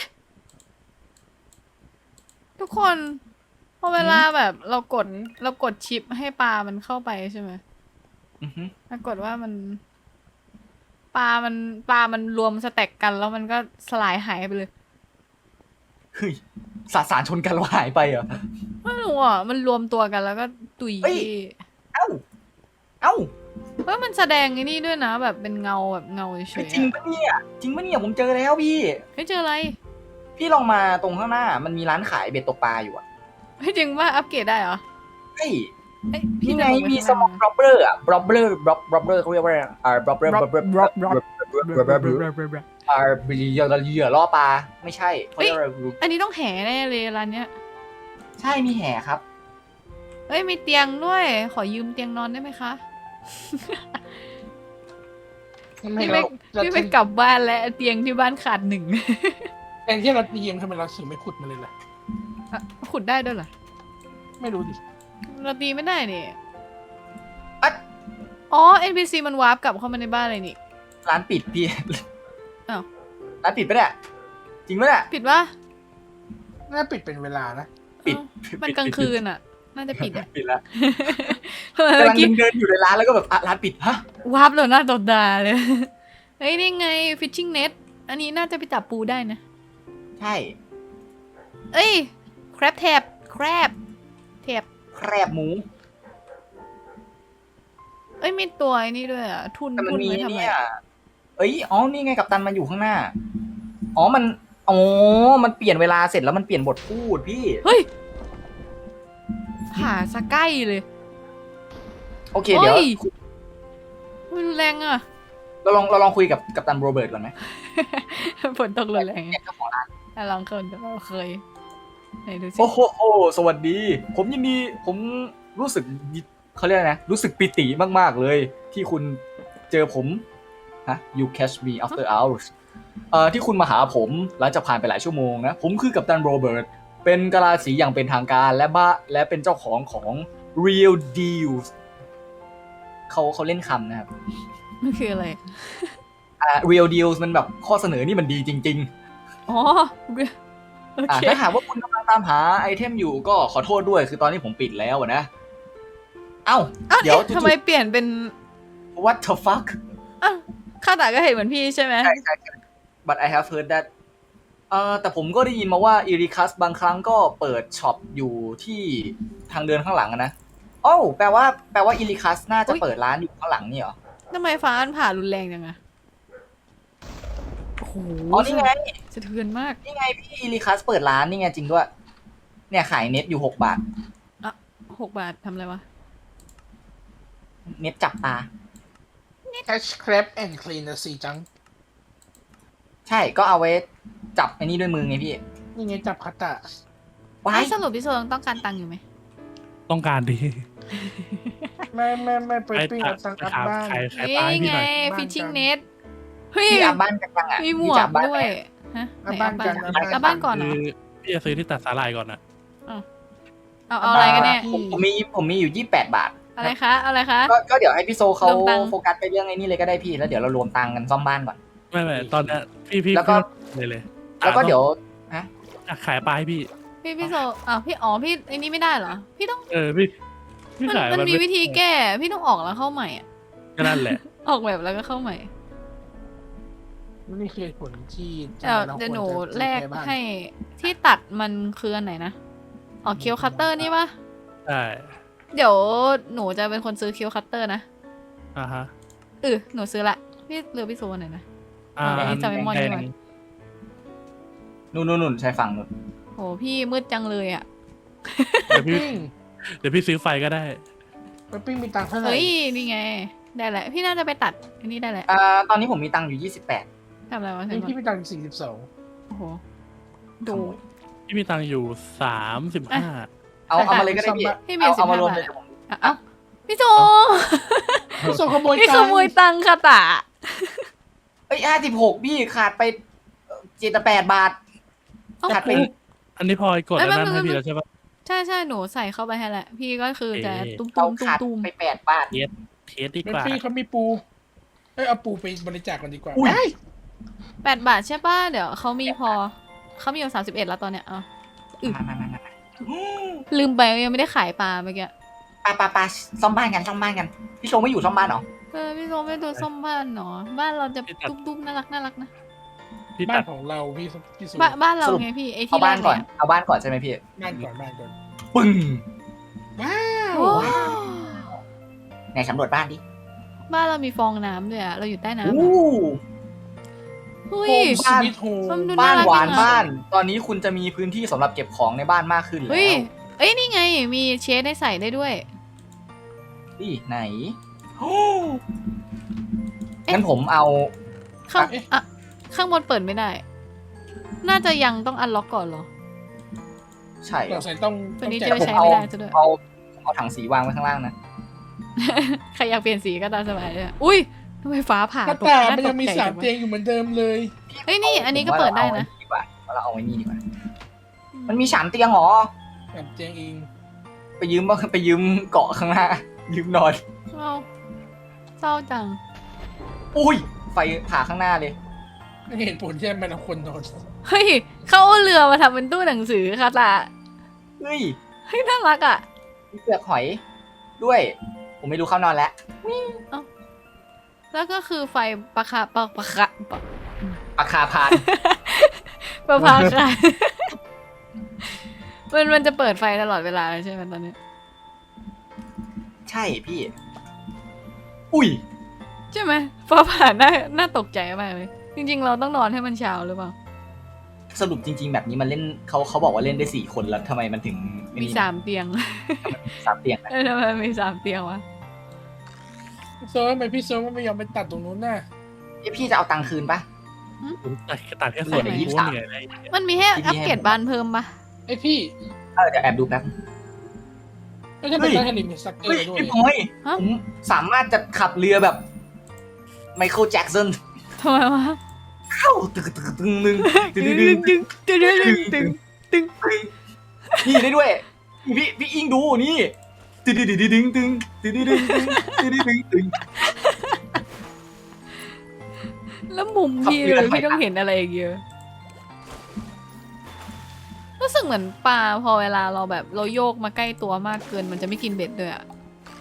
[SPEAKER 1] ทุกคนพอเวลาแบบเรากดเรากดชิปให้ปลามันเข้าไปใช่ไหม
[SPEAKER 4] อือฮึ
[SPEAKER 1] ปรากฏว่ามันปลามันปลามันรวมสแต็กกันแล้วมันก็สลายหายไปเลย
[SPEAKER 4] เฮ้ยสสารชนกันแล้วหายไปเหรอ
[SPEAKER 1] ไม่รู้อ่ะมันรวมตัวกันแล้วก็ตุย
[SPEAKER 4] เฮ้ย เอ้า เอ้า
[SPEAKER 1] เฮ้ยมันแสดงไอ้นี่ด้วยนะ แบบเป็นเงาแบบเงาเฉยๆ
[SPEAKER 4] จริง
[SPEAKER 1] อะ
[SPEAKER 4] ปะเนี่ยจริงปะเนี่ยผมเจอแล้วพี่
[SPEAKER 1] เฮ้ยเจออะไร
[SPEAKER 4] พี่ลองมาตรงข้างหน้ามันมีร้านขายเบ็ดตกปลาอยู่อ่ะ
[SPEAKER 1] เฮ้ยจริงว่าอัปเกรดได้เหรอ
[SPEAKER 4] เฮ้ย
[SPEAKER 1] เอ้ยพี่
[SPEAKER 4] นี่ไง
[SPEAKER 1] เดินลป
[SPEAKER 4] มี
[SPEAKER 1] ข้า
[SPEAKER 4] สมองบล็อบเบอร์อ่ะบล็อบเบอร์บล็อบล็อบเบอร์เขาเรียกว่าอะไรอ่าบล็อบเบอร์บล็อบเบอร์บล็อบเบอร์บล็อบเบอร์อ่าเหยื่อเหยื่อล่อปลาไม่ใช่เขาเรียกอะไร
[SPEAKER 1] อันนี้ต้องแห่แน่เลยร้านเนี้ย
[SPEAKER 4] ใช่มีแห่ครับ
[SPEAKER 1] เฮ้ยมีเตียงด้วย ขอยืมเตียงนอนได้ไหมคะ
[SPEAKER 3] ทำไม
[SPEAKER 1] พี่
[SPEAKER 3] เรา
[SPEAKER 1] ไม่
[SPEAKER 3] เรา
[SPEAKER 1] พี่ไม่กลับบ้านแล้วเตียงที่บ้านขาดหนึ่ง
[SPEAKER 3] แทนที่เราจะยืมทำไมเราถึงไม่ขุดมาเลยล่ะ
[SPEAKER 1] อ่ะขุดได้ด้วยเหรอ
[SPEAKER 3] ไม่รู้ดิ
[SPEAKER 1] เราตีไม่ได้นี่
[SPEAKER 4] อะ
[SPEAKER 1] อ๋อ เอ็น พี ซี มันวาร์ปกลับเข้ามาในบ้านเลยนี่
[SPEAKER 4] ร้านปิดพี่
[SPEAKER 1] อ้าว
[SPEAKER 4] ร้านปิดปะเนี่ยจริงปะเนี่ย
[SPEAKER 1] ปิดวะ
[SPEAKER 3] น่าปิดเป็นเวลานะ
[SPEAKER 4] ปิด
[SPEAKER 1] เอ้ามันกลางคืนอ่ะ น่าจะปิดอ่ะ
[SPEAKER 4] ปิดแล้ว
[SPEAKER 1] เมื่
[SPEAKER 4] กำ
[SPEAKER 1] อ
[SPEAKER 4] ลัง
[SPEAKER 1] กี้
[SPEAKER 4] เดินอยู่ในร้านแล้วก็แบบอ่ะร้านปิดฮะ
[SPEAKER 1] วาร์ปเลยหน้าตดดาเลย เฮ้ยนี่ไง fishing net อันนี้น่าจะไปจับปูได้นะ
[SPEAKER 4] ใช่
[SPEAKER 1] เอ้ย crab tab crab tab
[SPEAKER 4] แครบหมู
[SPEAKER 1] เอ้ยมีตัวไอ้นี่ด้วยอ่ะ ทุน
[SPEAKER 4] แต่มัน
[SPEAKER 1] ทุน
[SPEAKER 4] มี
[SPEAKER 1] ไว้ทำไม
[SPEAKER 4] เนี่ยเอ้ยอ๋อนี่ไงกับตันมันอยู่ข้างหน้าอ๋อมันอ๋อมันเปลี่ยนเวลาเสร็จแล้วมันเปลี่ยนบทพูดพี่
[SPEAKER 1] เฮ้ยผ่าสะใกล้เลย
[SPEAKER 4] โอเคเดี๋ยว
[SPEAKER 1] ฮ้มันรุนแรงอ่ะ
[SPEAKER 4] เราลองเราลองคุยกับกัปตันโรเบิร์ตก่อนไหม
[SPEAKER 1] ฝนตกรุนแรง
[SPEAKER 4] เนี่ยเจ้าของร้าน
[SPEAKER 1] อ่ะลองเคยเราเคยไหนดูสิ
[SPEAKER 4] โอ้โหโอ้สวัสดี ผมยินดีผมรู้สึกยิเขาเรียกอะไรนะรู้สึกปิติมากๆเลย ที่คุณเจอผมฮะ you catch me after hours เอ่อที่คุณมาหาผมหลังจากผ่านไปหลายชั่วโมงนะ ผมคือกัปตันโรเบิร์ตเป็นกะลาสีอย่างเป็นทางการและบ้าและเป็นเจ้าของของ Real Deals เขาเขาเล่นคำนะครับ
[SPEAKER 1] มันคืออะไร
[SPEAKER 4] อ่า real deals มันแบบข้อเสนอนี่มันดีจริง
[SPEAKER 1] อ๋อโอ
[SPEAKER 4] ๆอ่า
[SPEAKER 1] เค
[SPEAKER 4] ถ้าหากว่าคุณกำลังตามหาไอเทมอยู่ก็ขอโทษด้วยคือตอนนี้ผมปิดแล้วอะนะ เอ้า
[SPEAKER 1] อ้าว
[SPEAKER 4] เดี๋ยว
[SPEAKER 1] เอ๊ะทำไมเปลี่ยนเป็น
[SPEAKER 4] what the fuck
[SPEAKER 1] อ้าวข้าตาก็เห็นเหมือนพี่ใช่ไหม
[SPEAKER 4] ใช่ใช่ใช่ but I have heard that เอ่อแต่ผมก็ได้ยินมาว่าอีริคัสบางครั้งก็เปิดช็อปอยู่ที่ทางเดินข้างหลังอะนะโอ้าแปลว่าแปลว่าอีริคัสน่าจะเปิดร้านอยู่ข้างหลังนี่เหรอ
[SPEAKER 1] ทำไมฟ้ามันผ่ารุนแรงจังอะโอ้โห
[SPEAKER 4] อ๋อนี่ไง
[SPEAKER 1] สะเทือนมาก
[SPEAKER 4] นี่ไงพี่อีริคัสเปิดร้านนี่ไงจริงด้วย เนี่ยขายเน็ตอยู่หกบาท
[SPEAKER 1] หกบาททำอะไรวะ
[SPEAKER 4] เน็ตจับตา
[SPEAKER 3] catch crab and clean the sea จัง
[SPEAKER 4] ใช่ก็เอาไว้จับไอ้นี่ด้วยมือไงพี่
[SPEAKER 3] นี่ไงจับคัตตะ
[SPEAKER 4] ว้า
[SPEAKER 1] ไอ้
[SPEAKER 4] ย
[SPEAKER 1] สรุปพี่โซต้องการตังค์อยู่ไหม
[SPEAKER 2] ต้องการดี
[SPEAKER 3] ไม่ไม่ไม่ไป
[SPEAKER 2] ใคร
[SPEAKER 3] ปิ้ง
[SPEAKER 2] ตั
[SPEAKER 3] เอา
[SPEAKER 2] ด
[SPEAKER 3] ตังค์กลับ
[SPEAKER 2] ขาย
[SPEAKER 3] บ้าน
[SPEAKER 2] ขายขายปลาให้
[SPEAKER 1] นี่
[SPEAKER 2] พี่
[SPEAKER 1] ไง
[SPEAKER 2] หน่อย
[SPEAKER 3] บ้าน
[SPEAKER 1] ฟิชชิ่ง
[SPEAKER 3] กัน
[SPEAKER 1] เน็ตเฮ้ย
[SPEAKER 4] พี่อับบ้านกันยังอ่ะ
[SPEAKER 1] มีหม
[SPEAKER 4] พี่
[SPEAKER 1] ว
[SPEAKER 4] จะ
[SPEAKER 1] ก
[SPEAKER 4] อับบ้าน
[SPEAKER 1] ด้
[SPEAKER 4] ไห
[SPEAKER 1] ว
[SPEAKER 4] ม
[SPEAKER 1] ยฮะไหน
[SPEAKER 3] เอาบ้านกัน
[SPEAKER 1] เอาบ้านเอาบ้านก่อนเหร
[SPEAKER 2] คือ อพี่จะซื้อที่ตัดสาหร่ายก่อนนะ
[SPEAKER 1] เอาเอาอะไรกันเนี่ย
[SPEAKER 4] ผมผมมีผมมีอยู่ยี่สิบแปดบาท
[SPEAKER 1] อะไรคะเอาอะไรคะ
[SPEAKER 4] ก็ก็เดี๋ยวให้พี่โซเขา
[SPEAKER 1] รวมตังค์
[SPEAKER 4] โฟกัสไปเรื่องไอ้นี่เลยก็ได้พี่แล้วเดี๋ยวเรารวมตังค์กันซ่อมบ้านก่อน
[SPEAKER 2] ไม่ไม่ตอนเนี้ยพี่พี่
[SPEAKER 4] แล้วก็
[SPEAKER 2] พี่เลยเลย
[SPEAKER 4] แล้วก็เดี๋ยว
[SPEAKER 2] อ่ะขายปลาให้พี่
[SPEAKER 1] พี่พี่โซอ่าวพี่อ๋อพี่ไอ้นี่ไม่ได้เหรอพี่ต้อง
[SPEAKER 2] เออพี่พี่
[SPEAKER 1] มัน
[SPEAKER 2] ขาย
[SPEAKER 1] มันมี
[SPEAKER 2] ไ
[SPEAKER 1] วิธีแก้ พี่ต้องออกแล้วเข้าใหม่อ่ะ
[SPEAKER 2] ก็นั่นแหละ
[SPEAKER 1] ออกแบบแล้วก็เข้าใหม่
[SPEAKER 3] นี่คือเหตุผลที่
[SPEAKER 1] เดี๋ยว
[SPEAKER 3] รา
[SPEAKER 1] เดี๋ยวหนู
[SPEAKER 3] ควรจะ
[SPEAKER 1] แลก
[SPEAKER 3] ซื้อบ้าน
[SPEAKER 1] ให้ที่ตัดมันคืออันไหนนะอ๋อเคียวคัตเตอร์นี่ปะ
[SPEAKER 2] ใช่
[SPEAKER 1] เดี๋ยวหนูจะเป็นคนซื้อเคียวคัตเตอร์นะ
[SPEAKER 2] อ่าฮะ
[SPEAKER 1] เออหนูซื้อละพี่เลือกพี่โซนหน่อยนะ
[SPEAKER 2] อ่า
[SPEAKER 1] เอาไอ้
[SPEAKER 2] อัน
[SPEAKER 1] จำไอ้มอน
[SPEAKER 2] แด
[SPEAKER 1] นี่
[SPEAKER 2] ง
[SPEAKER 1] ก่อน
[SPEAKER 4] นู่นนู่นนู่นใช้ฝั่งนู่น
[SPEAKER 1] โหพี่มืดจังเลยอ่ะ
[SPEAKER 2] เดี๋ยวพี่
[SPEAKER 3] ปิ้ง
[SPEAKER 2] เดี๋ยวพี่ซื้อไฟก็ได้
[SPEAKER 3] ไปปิ้งมีตังค์เท่าไหร่
[SPEAKER 1] เฮ้ยนี่ไง ได้แหละ พี่น่าจะไปตัดอันนี้ได้แหละ
[SPEAKER 4] อ่าตอนนี้ผมมีตังค์อยู่ยี่สิบแปด
[SPEAKER 1] ทำอะไรวะ
[SPEAKER 3] นี่พี่มีตังค์สี่สิบสอง
[SPEAKER 1] โอ้โหดู
[SPEAKER 2] พี่มีตังค์อยู่สามสิบห้า
[SPEAKER 4] เอาเอามาเลยก็ได้พี่
[SPEAKER 1] พี่มี
[SPEAKER 4] เอา
[SPEAKER 1] สิ
[SPEAKER 4] เอา
[SPEAKER 1] บ
[SPEAKER 4] มา
[SPEAKER 1] ห้าร
[SPEAKER 4] วม
[SPEAKER 1] บา
[SPEAKER 4] เล
[SPEAKER 1] ท
[SPEAKER 4] ยเดี๋ยวผม
[SPEAKER 1] อ่ะเอ้าพี่โจ
[SPEAKER 3] พี่โซขโมย
[SPEAKER 1] พี่
[SPEAKER 3] ตั
[SPEAKER 1] ข
[SPEAKER 3] งค์
[SPEAKER 1] โมยตังค์ค่ะตา
[SPEAKER 4] เอ้ยห้าสิบหกพี่ขาดไปเจ็ดแปดบาท
[SPEAKER 1] เอ้า
[SPEAKER 4] ขาดไป
[SPEAKER 2] อันนี้พลอยกด
[SPEAKER 1] เอ้
[SPEAKER 2] อั
[SPEAKER 1] ย
[SPEAKER 2] นนั้น
[SPEAKER 1] ไม่
[SPEAKER 2] ให้
[SPEAKER 1] ไม่
[SPEAKER 2] พี่แล้วใช่ปะ
[SPEAKER 1] ใช่ใช่หนูใส่เข้าไปให้แหละ พี่ก็คือจะ
[SPEAKER 2] เอ๊ะ
[SPEAKER 1] ตุ้ม
[SPEAKER 4] เรา
[SPEAKER 1] ตุ้มตุ้ม
[SPEAKER 4] ขาด
[SPEAKER 1] ตุ้ม
[SPEAKER 4] ไปแปดบาท
[SPEAKER 2] เทสดี
[SPEAKER 3] เป็น
[SPEAKER 2] กว่า
[SPEAKER 3] พี่เขามีปูเอ้ยเอาปูไปบริจาคกันดีกว่า
[SPEAKER 4] อุ้ย
[SPEAKER 3] เฮ้ย
[SPEAKER 1] แปดบาทใช่ป่ะ เดี๋ยวเขามีพอ เขามีอยู่สามสิบเอ็ดแล้วตอนเนี้ยเอ่ะ อืม
[SPEAKER 4] มามามามา
[SPEAKER 1] ลืมไปว่ายังไม่ได้ขายปลาเมื่อกี้
[SPEAKER 4] ปาปาปาซ่อมบ้านกันซ่อมบ้านกัน พี่โซไม่อยู่ซ่อมบ้านเหรอ
[SPEAKER 1] เออพี่โซไม่ดูส้มบ้านเนาะบ้านเราจะตุ้มตุ้มน่ารักน่ารักนะ
[SPEAKER 2] พี่
[SPEAKER 3] บ้า
[SPEAKER 2] ตั
[SPEAKER 3] น
[SPEAKER 2] ด
[SPEAKER 3] ของเราพี่พี่โซ
[SPEAKER 1] บ้านบ้านเรา
[SPEAKER 4] สรุป
[SPEAKER 1] ไงพี่ไอ
[SPEAKER 4] เอา
[SPEAKER 1] ที่แร
[SPEAKER 4] บ้าน
[SPEAKER 1] ก
[SPEAKER 4] ก่อน
[SPEAKER 1] เนี่ย
[SPEAKER 4] เอาบ้านก่อนใช่ไหมพี่
[SPEAKER 3] บ้านก่อนบ้านก่อน
[SPEAKER 4] ปึ้ง
[SPEAKER 3] ว้าว
[SPEAKER 1] โอ้
[SPEAKER 4] ไหนสำรวจบ้านดิ
[SPEAKER 1] บ้านเรามีฟองน้ำด้วยอะเราอยู่ใต้น้ำ
[SPEAKER 4] โอ้
[SPEAKER 1] อะเฮ้ย
[SPEAKER 3] โฮมสวีทโฮม
[SPEAKER 1] มันดู
[SPEAKER 4] บ้าน
[SPEAKER 1] น่ารัก
[SPEAKER 4] หวาน
[SPEAKER 1] จังอะ
[SPEAKER 4] บ้าน ตอนนี้คุณจะมีพื้นที่สำหรับเก็บของในบ้านมากขึ้นแล้
[SPEAKER 1] เฮ้ยว เอ้ยนี่ไงมีเชดให้ใส่ได้ด้วย
[SPEAKER 4] นี่ไหนงั้นผมเอา
[SPEAKER 1] ข้างอ่ะข้างบนเปิดไม่ได้ น่าจะยังต้องอันล็อกก่อนเหรอ
[SPEAKER 4] ใช่
[SPEAKER 3] เราใส่ต้อง
[SPEAKER 1] ตัวนี้
[SPEAKER 3] ต้
[SPEAKER 1] จะ
[SPEAKER 3] อง
[SPEAKER 1] ไป
[SPEAKER 3] แจก
[SPEAKER 1] ใช้ไม่ได้ซะด้วย
[SPEAKER 4] เอาเอาถังสีวางไว้ข้างล่างนะ
[SPEAKER 1] ใครอยากเปลี่ยนสีก็ตามสบายเลยอุ้ยทำไมฟ้าผ่า
[SPEAKER 3] หน้า
[SPEAKER 1] ตก
[SPEAKER 3] ตา
[SPEAKER 1] หน้า
[SPEAKER 3] มัน
[SPEAKER 1] ต
[SPEAKER 3] ยัง
[SPEAKER 1] ก
[SPEAKER 3] มี
[SPEAKER 1] ใจ
[SPEAKER 3] สาม
[SPEAKER 1] จังวะ
[SPEAKER 3] เตียงอยู่เหมือนเดิมเลย
[SPEAKER 1] เฮ้ยนี่อันนี้ก็เปิดได้นะ
[SPEAKER 4] ดีกว่าเราเอาไว้นี่ดีกว่า มันมีสามเตียงเหรอ
[SPEAKER 3] สามเตียงเอง
[SPEAKER 4] ไปยืมบ้างไปยืมเกาะข้างหน้า ยืมนอน
[SPEAKER 1] เอาเศร้าจัง
[SPEAKER 4] อุ้ย ไฟผ่าข้างหน้าเลย
[SPEAKER 3] ไม่เห็นผลใช่ไหมเราควรนอน
[SPEAKER 1] เฮ้ยเขาเอาเรือมาทำเป็นตู้หนังสือค่ะตา
[SPEAKER 4] เฮ้ย
[SPEAKER 1] เฮ้ยน่ารักอ่ะ
[SPEAKER 4] มีเปลือกหอย ด้วย ผมไม่รู้เข้านอนแล้ว
[SPEAKER 1] แล้วก็คือไฟปะคาปะปะคาปะ
[SPEAKER 4] ปากคาพาน
[SPEAKER 1] ปะพาคา มันมันจะเปิดไฟตลอดเวลาเลยใช่ไหมตอนนี้
[SPEAKER 4] ใช่พี่ อุ้ย
[SPEAKER 1] ใช่ไหมฟ้าผ่าน่าน่าตกใจมากเลย จริง ๆ เราต้องนอนให้มันเช้าหรือเปล่า
[SPEAKER 4] สรุปจริง ๆ แบบนี้มันเล่นเขาเขาบอกว่าเล่นได้สี่คนแล้วทำไมมันถึงไอ้
[SPEAKER 1] มี
[SPEAKER 4] นี่
[SPEAKER 1] สามเตียง
[SPEAKER 4] สามเตียงนะ
[SPEAKER 1] เออทำไมมีสามเตียงวะ
[SPEAKER 3] โซทำไมพี่โซไม่ยอมไปตัดตรงนู้นน่ะ
[SPEAKER 4] เอ้ยพี่จะเอาตังค์คืนปะ
[SPEAKER 2] ผมตัดตัดแค่
[SPEAKER 4] เห
[SPEAKER 2] ส่
[SPEAKER 4] ลื
[SPEAKER 2] ว
[SPEAKER 4] อน ใน
[SPEAKER 2] หนึ่ง
[SPEAKER 4] ยี่สิบ
[SPEAKER 2] กู
[SPEAKER 4] สาม
[SPEAKER 2] เหนื่อยเลย
[SPEAKER 1] มันมีให้
[SPEAKER 4] ที่
[SPEAKER 1] อัป
[SPEAKER 4] ให้
[SPEAKER 1] เกรดบ้านเพิ่มปะ
[SPEAKER 3] ไอยพี่
[SPEAKER 4] เออเดี๋ยวแอบดูแป๊บ
[SPEAKER 3] ไม่ใช่เป็นนักลิมสักเกอ
[SPEAKER 4] เฮ้ย
[SPEAKER 3] ร์ด้วย
[SPEAKER 4] พี่พลอยผมสามารถจะขับเรือแบบไมเคิลแจ็กสัน
[SPEAKER 1] ทำไมวะ
[SPEAKER 4] เข้าตึกตึกตึงนึงตึง
[SPEAKER 1] ตึ
[SPEAKER 4] ตึ
[SPEAKER 1] ง
[SPEAKER 4] ง
[SPEAKER 1] ตึ
[SPEAKER 4] ตึ
[SPEAKER 1] ง
[SPEAKER 4] ง
[SPEAKER 1] ตึงตึงตึงตึงตึง
[SPEAKER 4] นี่ได้ด้วย พี่พี่อิงดูนี่ตึ๊ดดึ๊ดดึ๊งตึงตึ๊ดดึ๊ดดึ๊งตึงตึ๊ดดึ๊ดดึ๊งตึง
[SPEAKER 1] แล้วมุมพี่
[SPEAKER 4] ขับเรือ
[SPEAKER 1] เลย
[SPEAKER 4] ไป
[SPEAKER 1] พี่ต้องเห็นอะไรอย่างเงี้ยรู้สึกเหมือนปลาพอเวลาเราแบบเราโยกมาใกล้ตัวมากเกินมันจะไม่กินเบ็ดด้วยอะ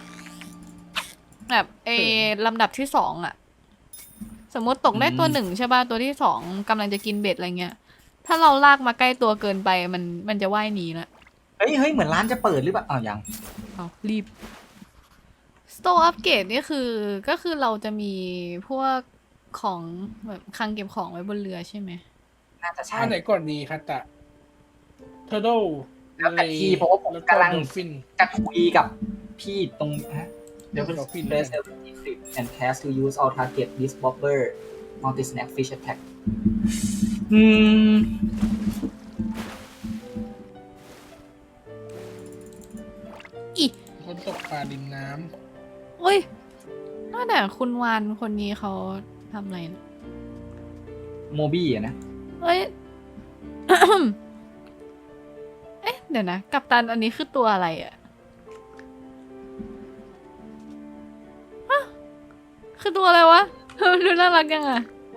[SPEAKER 1] แบบเอลำดับที่สองอะสมมติตกได้ตัวหนึ่งใช่ป่ะตัวที่สองกำลังจะกินเบ็ดอะไรเงี้ยถ้าเราลากมาใกล้ตัวเกินไปมันมันจะว่ายหนีละ
[SPEAKER 4] เฮ้ยเฮ้ยเหมือนร้านจะเปิดหรือเปล่าอ้าวยัง
[SPEAKER 1] เอารีบ Store Upgrade นี่คือก็คือเราจะมีพวกของแบบคลังเก็บของไว้บนเรือใช่ไหม
[SPEAKER 4] น่าจะใช่
[SPEAKER 3] อันไหนก่อนดีคัตตะเทอร์โด
[SPEAKER 4] แล้วแต่พี่เพราะว่าผมกำลัง
[SPEAKER 3] ฟิน
[SPEAKER 4] จะคุยกับพี่ตรงฮะเดี๋ยวเป็น
[SPEAKER 3] Dolphin
[SPEAKER 4] press F and cast to use all target this bobber multi snack fish attack อืม
[SPEAKER 1] อี
[SPEAKER 3] คนตกปลาริมน้
[SPEAKER 1] โอ้ยน่าแต่คุณวานคนนี้เขาทำอะไรนะ
[SPEAKER 4] โมบี้อะนะ
[SPEAKER 1] เอ้ย เอ๊ะ เดี๋ยวนะ กัปตันอันนี้คือตัวอะไรอะฮะคือตัวอะไรวะ ดูน่ารักยังอะ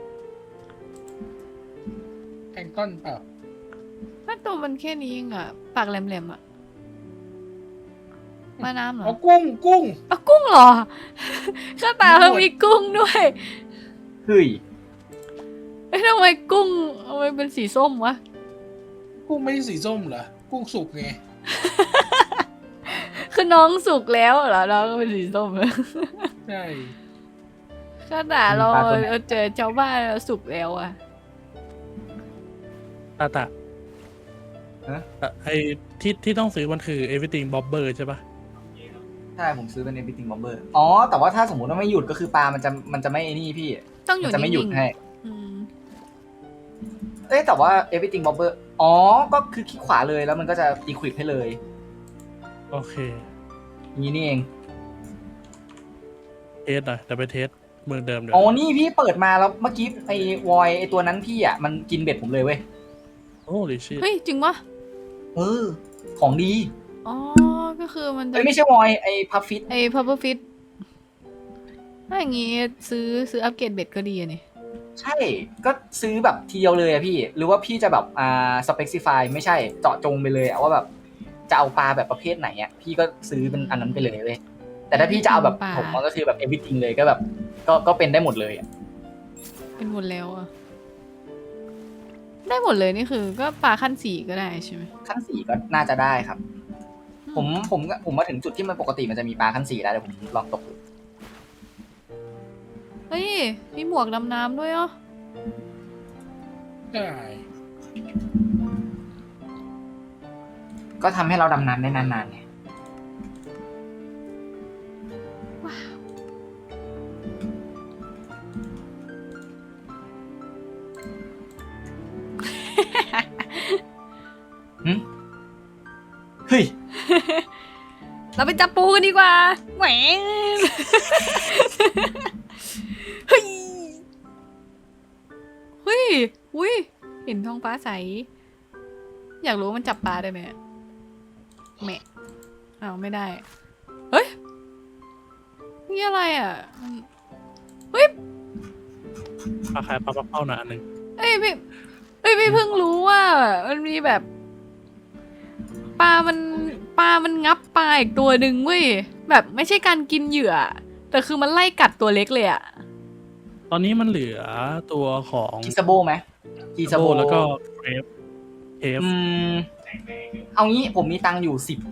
[SPEAKER 3] ำแองก้อนเปล่า
[SPEAKER 1] ถ้าตัวมันแค่นี้เองอะปากแหลมๆอะมาน้ำเหรอ
[SPEAKER 3] อ๋อกุ้งกุ้ง
[SPEAKER 1] เอากุ้งเหรอ ข้าตาเขามีกุ้งด้วย
[SPEAKER 4] เฮ้ย
[SPEAKER 1] เอ้ยทำไมกุ้งทำไมเป็นสีส้มวะ
[SPEAKER 3] กุ้งไม่ใช่สีส้มเหรอ กุ้งสุกไง
[SPEAKER 1] คือน้องสุกแล้วเหรอน้องก็เป็นสีส้ม
[SPEAKER 3] ใช่
[SPEAKER 1] ขนาดเราเราเจอชาวบ้านเราสุกแล้วอะ
[SPEAKER 2] ตาตา
[SPEAKER 4] ฮะ
[SPEAKER 2] เอ่อไอที่ที่ต้องซื้อมันคือ everything bobber ใช่ปะ
[SPEAKER 4] ใช่ผมซื้อเป็น everything bobber อ๋อ แต่ว่าถ้าสมมติว่าไม่หยุดก็คือปลามันจะมันจะไม่ไอ้นี่พี่
[SPEAKER 1] ต้องอยู่
[SPEAKER 4] มันจะไม่หยุด
[SPEAKER 1] นิ่ง
[SPEAKER 4] ให้
[SPEAKER 1] ๆอืม
[SPEAKER 4] เอ้ยแต่ว่า everything bobber อ๋อ ก็คือคลิกขวาเลยแล้วมันก็จะ equip ให้เลย
[SPEAKER 2] โอเค
[SPEAKER 4] อย่างนี้นี่เอง
[SPEAKER 2] เทสหน่อยแต่ไปเทสเมืองเดิมเดี๋ยว
[SPEAKER 4] อ๋อ นี่พี่เปิดมาแล้วเมื่อกี้ไอ้วอยไอ้ตัวนั้นพี่อ่ะมันกินเบ็ดผมเลยเว้ย
[SPEAKER 2] โอ้ลิชิ
[SPEAKER 1] เฮ้ย จริงปะ
[SPEAKER 4] เออ ของดี
[SPEAKER 1] อ๋อ ก็คือมันจะ
[SPEAKER 4] เอ้ยไม่ใช่วอยไอ้พัฟฟิต
[SPEAKER 1] ไอ้พับเบิลฟิตถ้าอย่างงี้ซื้อซื้ออัปเกรดเบ็ดก็ดีอะนี่
[SPEAKER 4] ใช่ ก็ซื้อแบบทีเดียวเลยอะพี่ หรือว่าพี่จะแบบอ่า specify ไม่ใช่เจาะจงไปเลยอะว่าแบบจะเอาปลาแบบประเภทไหนอะพี่ก็ซื้อเป็นอันนั้นไปเลยเว้ยแต่ถ้าพี่จะเอาแบบผมมันก็คือแบบ everything เลยก็แบบ ก็ก็เป็นได้หมดเลยอะ
[SPEAKER 1] เป็นหมดแล้วอะได้หมดเลยนี่คือก็ปลาขั้นสี่ก็ได้ใช่ไหม
[SPEAKER 4] ขั้นสี่ก็น่าจะได้ครับ ผมผมผมมาถึงจุดที่มันปกติมันจะมีปลาขั้นสี่ได้แต่ผมลองตกดู
[SPEAKER 1] เฮ้ย มีหมวกดำน้ำด้วยเหรอ
[SPEAKER 3] ใช่
[SPEAKER 4] ก็ทำให้เราดำน้ำได้นานๆไง หึเฮ้ย
[SPEAKER 1] เราไปจับปูกันดีกว่าแหม เฮ้ย เฮ้ย อุ้ย เห็นท้องฟ้าใส อยากรู้ว่ามันจับปลาได้ไหมแหมอ้าวไม่ได้ เฮ้ย นี่อะไรอ่ะมันเฮ้ย
[SPEAKER 2] ปลาขายปลาปักเป้าหนาอันหนึ่ง
[SPEAKER 1] เอ้ยพี่เอ้ยพี่เพิ่งรู้ว่ามันมีแบบปลา มันปลา มันงับปลาอีกตัวหนึ่งเว้ย แบบไม่ใช่การกินเหยื่อ แต่คือมันไล่กัดตัวเล็กเลยอะ
[SPEAKER 2] ตอนนี้มันเหลือตัวของ
[SPEAKER 4] กิซาโบไหมกิซาโบ
[SPEAKER 2] แล้วก็เทปเทป
[SPEAKER 4] อืม เอางี้ผมมีตังค์อยู่สิบ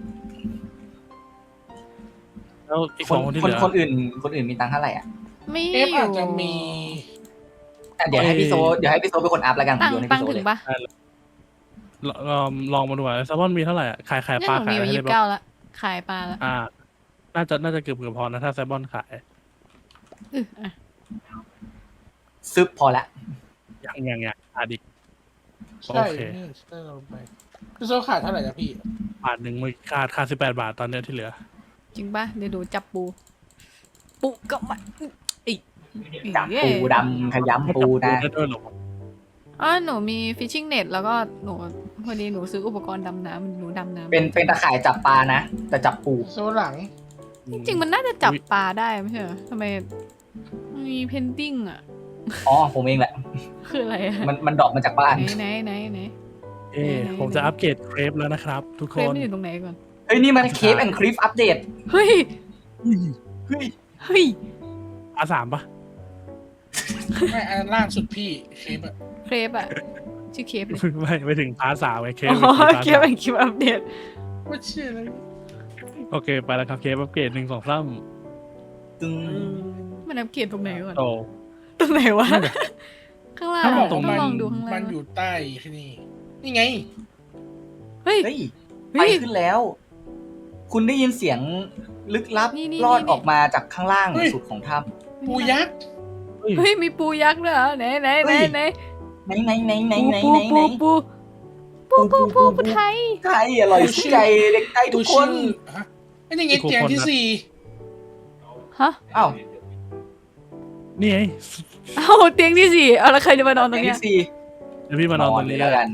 [SPEAKER 2] แล้วอีก
[SPEAKER 4] ค
[SPEAKER 2] สอน งคนที่
[SPEAKER 4] ค
[SPEAKER 2] เห
[SPEAKER 4] น
[SPEAKER 2] ลือ
[SPEAKER 4] คนอื่น คนอื่นมีตังค์เท่าไหร่อ่ะ
[SPEAKER 1] ไม่
[SPEAKER 3] เอฟอาจจะมี
[SPEAKER 4] อ่ะเดี๋ยวให้พี่โซเดี๋ยวให้พี่โซเป็นคนอัพแล้วกัน
[SPEAKER 1] ตั้ง
[SPEAKER 4] โยนให้
[SPEAKER 1] ตั้ง
[SPEAKER 4] พี่โซ
[SPEAKER 1] ถึ
[SPEAKER 4] เล
[SPEAKER 1] ง
[SPEAKER 4] ย
[SPEAKER 1] ปะ
[SPEAKER 2] ลลองลองมาดูว่าแซลมอนมีเท่าไหร่อะขายขาย
[SPEAKER 1] เนี่ย
[SPEAKER 2] ปลา
[SPEAKER 1] หนู
[SPEAKER 2] ขาย
[SPEAKER 1] มี
[SPEAKER 2] อะไร
[SPEAKER 1] ยี่
[SPEAKER 2] ให้
[SPEAKER 1] สิบ
[SPEAKER 2] บ้า
[SPEAKER 1] เก้าง ละขายปลาละ
[SPEAKER 2] อ่า น่าจะน่าจะเกือบเกือบพอนะถ้าแซลมอนขาย
[SPEAKER 1] อืออ่ะ
[SPEAKER 4] ซึบพอละ
[SPEAKER 2] อย่างอย่างอย่างอาดิก
[SPEAKER 3] ใช่
[SPEAKER 2] โอเค
[SPEAKER 3] นี่เตอร์ลงไปพี่โซขาดเท่าไหร่นะพี่
[SPEAKER 2] บาทหนึ่งมือขาดขาดสิบแปดบาทตอนเนี้ยที่เหลือ
[SPEAKER 1] จริงปะเดี๋ยวดูจับปู ปูก็มาอีก
[SPEAKER 4] จับปูดำขยำปูนะ
[SPEAKER 2] ได้ด้วยเหรอ
[SPEAKER 1] อ๋อหนูมีฟิชชิ่งเน็ตแล้วก็หนูพอดีหนูซื้ออุปกรณ์ดำน้ำหนูดำน้ำ
[SPEAKER 4] เป็นเป็นตะข่ายจับปลานะ แต่จับปู
[SPEAKER 3] โซหลัง
[SPEAKER 1] จริงๆมันน่าจะจับปลาได้ไม่ใช่เหรอทำไมมีเพนติ้งอ่ะ
[SPEAKER 4] อ๋อผมเองแหละ
[SPEAKER 1] คืออะไรอะ
[SPEAKER 4] มันมันดรอปมาจากบ้าน
[SPEAKER 1] ไหนไหนไหนไหน
[SPEAKER 2] เอ้ผมจะอัปเกรดเครปแล้วนะครับ ทุก
[SPEAKER 1] เค
[SPEAKER 2] ค
[SPEAKER 1] รป
[SPEAKER 2] น
[SPEAKER 1] มันอยู่ตรงไหนก่อน
[SPEAKER 4] เฮ้ยนี่มันเคปแอนด์คลิฟอัปเดต
[SPEAKER 1] เฮ้ย
[SPEAKER 4] เฮ้ย
[SPEAKER 1] เฮ้ย
[SPEAKER 2] อาสามปะ
[SPEAKER 3] ไม่อันล่างสุดพี่เคปอะ
[SPEAKER 1] เครปอะชื่อเครปเลย
[SPEAKER 2] ไม่ไม่ถึงพาร์ทสามไงเครป
[SPEAKER 1] อ๋อ
[SPEAKER 2] เป็นพาร์ท
[SPEAKER 1] เครป
[SPEAKER 2] สาม
[SPEAKER 1] เป็นคลิปอัปเดต
[SPEAKER 3] ว่าเชื่ออะไร
[SPEAKER 2] โอเคไปแล้วครับเครปอัปเกรดหนึ่งสองสาม
[SPEAKER 4] ตึง
[SPEAKER 1] มันอัปเกรดตรงไหนก่อน
[SPEAKER 2] โต
[SPEAKER 1] ตรงไหนวะ ข้างล่าง
[SPEAKER 3] ถ้าบอก
[SPEAKER 1] ต้อ
[SPEAKER 3] ว่าง มัน
[SPEAKER 1] ลองดูข้างล่าง
[SPEAKER 3] มันอยู่ใต้ที่นี่นี่ไง
[SPEAKER 1] เฮ้ย
[SPEAKER 4] เฮ้ย
[SPEAKER 1] เฮ้
[SPEAKER 4] ไป
[SPEAKER 1] ย
[SPEAKER 4] ขึ้นแล้ว คุณได้ยินเสียงลึกลับ
[SPEAKER 1] นี่นี่
[SPEAKER 4] ลอด
[SPEAKER 1] นี่
[SPEAKER 4] ออกมาจากข้างล่าง
[SPEAKER 3] เฮ้ย
[SPEAKER 4] สุดของถ้
[SPEAKER 3] ปูยักษ์
[SPEAKER 2] เฮ้ย
[SPEAKER 1] เฮ้ยมีปูยักษ์ด้วยเหรอไหนไหนไหนไหน
[SPEAKER 4] ำไหนไหนไหนไหนไหน
[SPEAKER 1] ปู
[SPEAKER 4] ไหนไห
[SPEAKER 1] ปู
[SPEAKER 4] น
[SPEAKER 1] ปูปูปูปูปูไทย
[SPEAKER 4] ไก่อร่อยชื่อใจเด็กไก่ทุกคน
[SPEAKER 3] ชื่อฮะไอ้นี่ไงเตียงที่สี่
[SPEAKER 1] ฮะ
[SPEAKER 4] อ้าว
[SPEAKER 2] นี่ไง
[SPEAKER 1] เอ้าเตียงที่สี่เอาแล้วใครจะมานอนตร
[SPEAKER 4] เตีย
[SPEAKER 1] ง
[SPEAKER 4] ง
[SPEAKER 1] เนี้ย
[SPEAKER 4] ที่สี่
[SPEAKER 2] เดี๋ยวพี่มานอนตรงนี้
[SPEAKER 4] แล้วกัน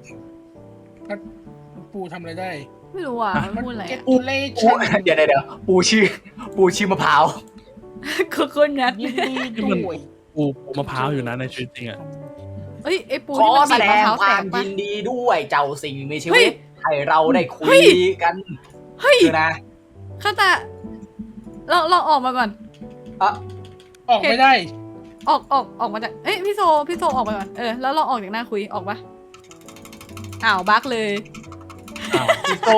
[SPEAKER 3] ปูทำอะไรได้
[SPEAKER 1] ไม่รู้อ่ะมันพูดอะไร
[SPEAKER 3] เก็ต
[SPEAKER 1] อะ
[SPEAKER 3] ตูเล่
[SPEAKER 4] ปู
[SPEAKER 3] ชัน
[SPEAKER 4] เดี๋ยวเดี๋ยวเดี๋ยวปูชื่อ ปูชื่อมะพร้าว
[SPEAKER 1] โคโคนัท
[SPEAKER 3] ยินดีด้วย
[SPEAKER 2] ปูปูมะพร้าวอยู่นะในชีวิตจริงอ่ะ
[SPEAKER 1] เอ้ยไอปู
[SPEAKER 4] ขอ
[SPEAKER 1] นี่มัน
[SPEAKER 4] แส
[SPEAKER 1] บีบ
[SPEAKER 4] ด
[SPEAKER 1] มะ
[SPEAKER 4] ง
[SPEAKER 1] พร้าว
[SPEAKER 4] ค
[SPEAKER 1] แต
[SPEAKER 4] วาม
[SPEAKER 1] กปะ
[SPEAKER 4] ยินดีด้วยเจ้าสิ่งมีชี
[SPEAKER 1] เฮ้
[SPEAKER 4] วิ
[SPEAKER 1] ย
[SPEAKER 4] ตให้เราได้คุ
[SPEAKER 1] เฮ้
[SPEAKER 4] ย
[SPEAKER 1] ย
[SPEAKER 4] กัน
[SPEAKER 1] เฮ้ย
[SPEAKER 4] คือนะ
[SPEAKER 1] ข้าตาเราเราออกมาก่อน
[SPEAKER 4] อ่ะ
[SPEAKER 3] ออกไม่ได้
[SPEAKER 1] ออกออกออกมาจากเอ้ยพี่โซพี่โซออกมาก่อนเออแล้วเราออกจากหน้าคุยออกปะอ้าวบั๊กเลย
[SPEAKER 2] อ้าว
[SPEAKER 4] พี่โต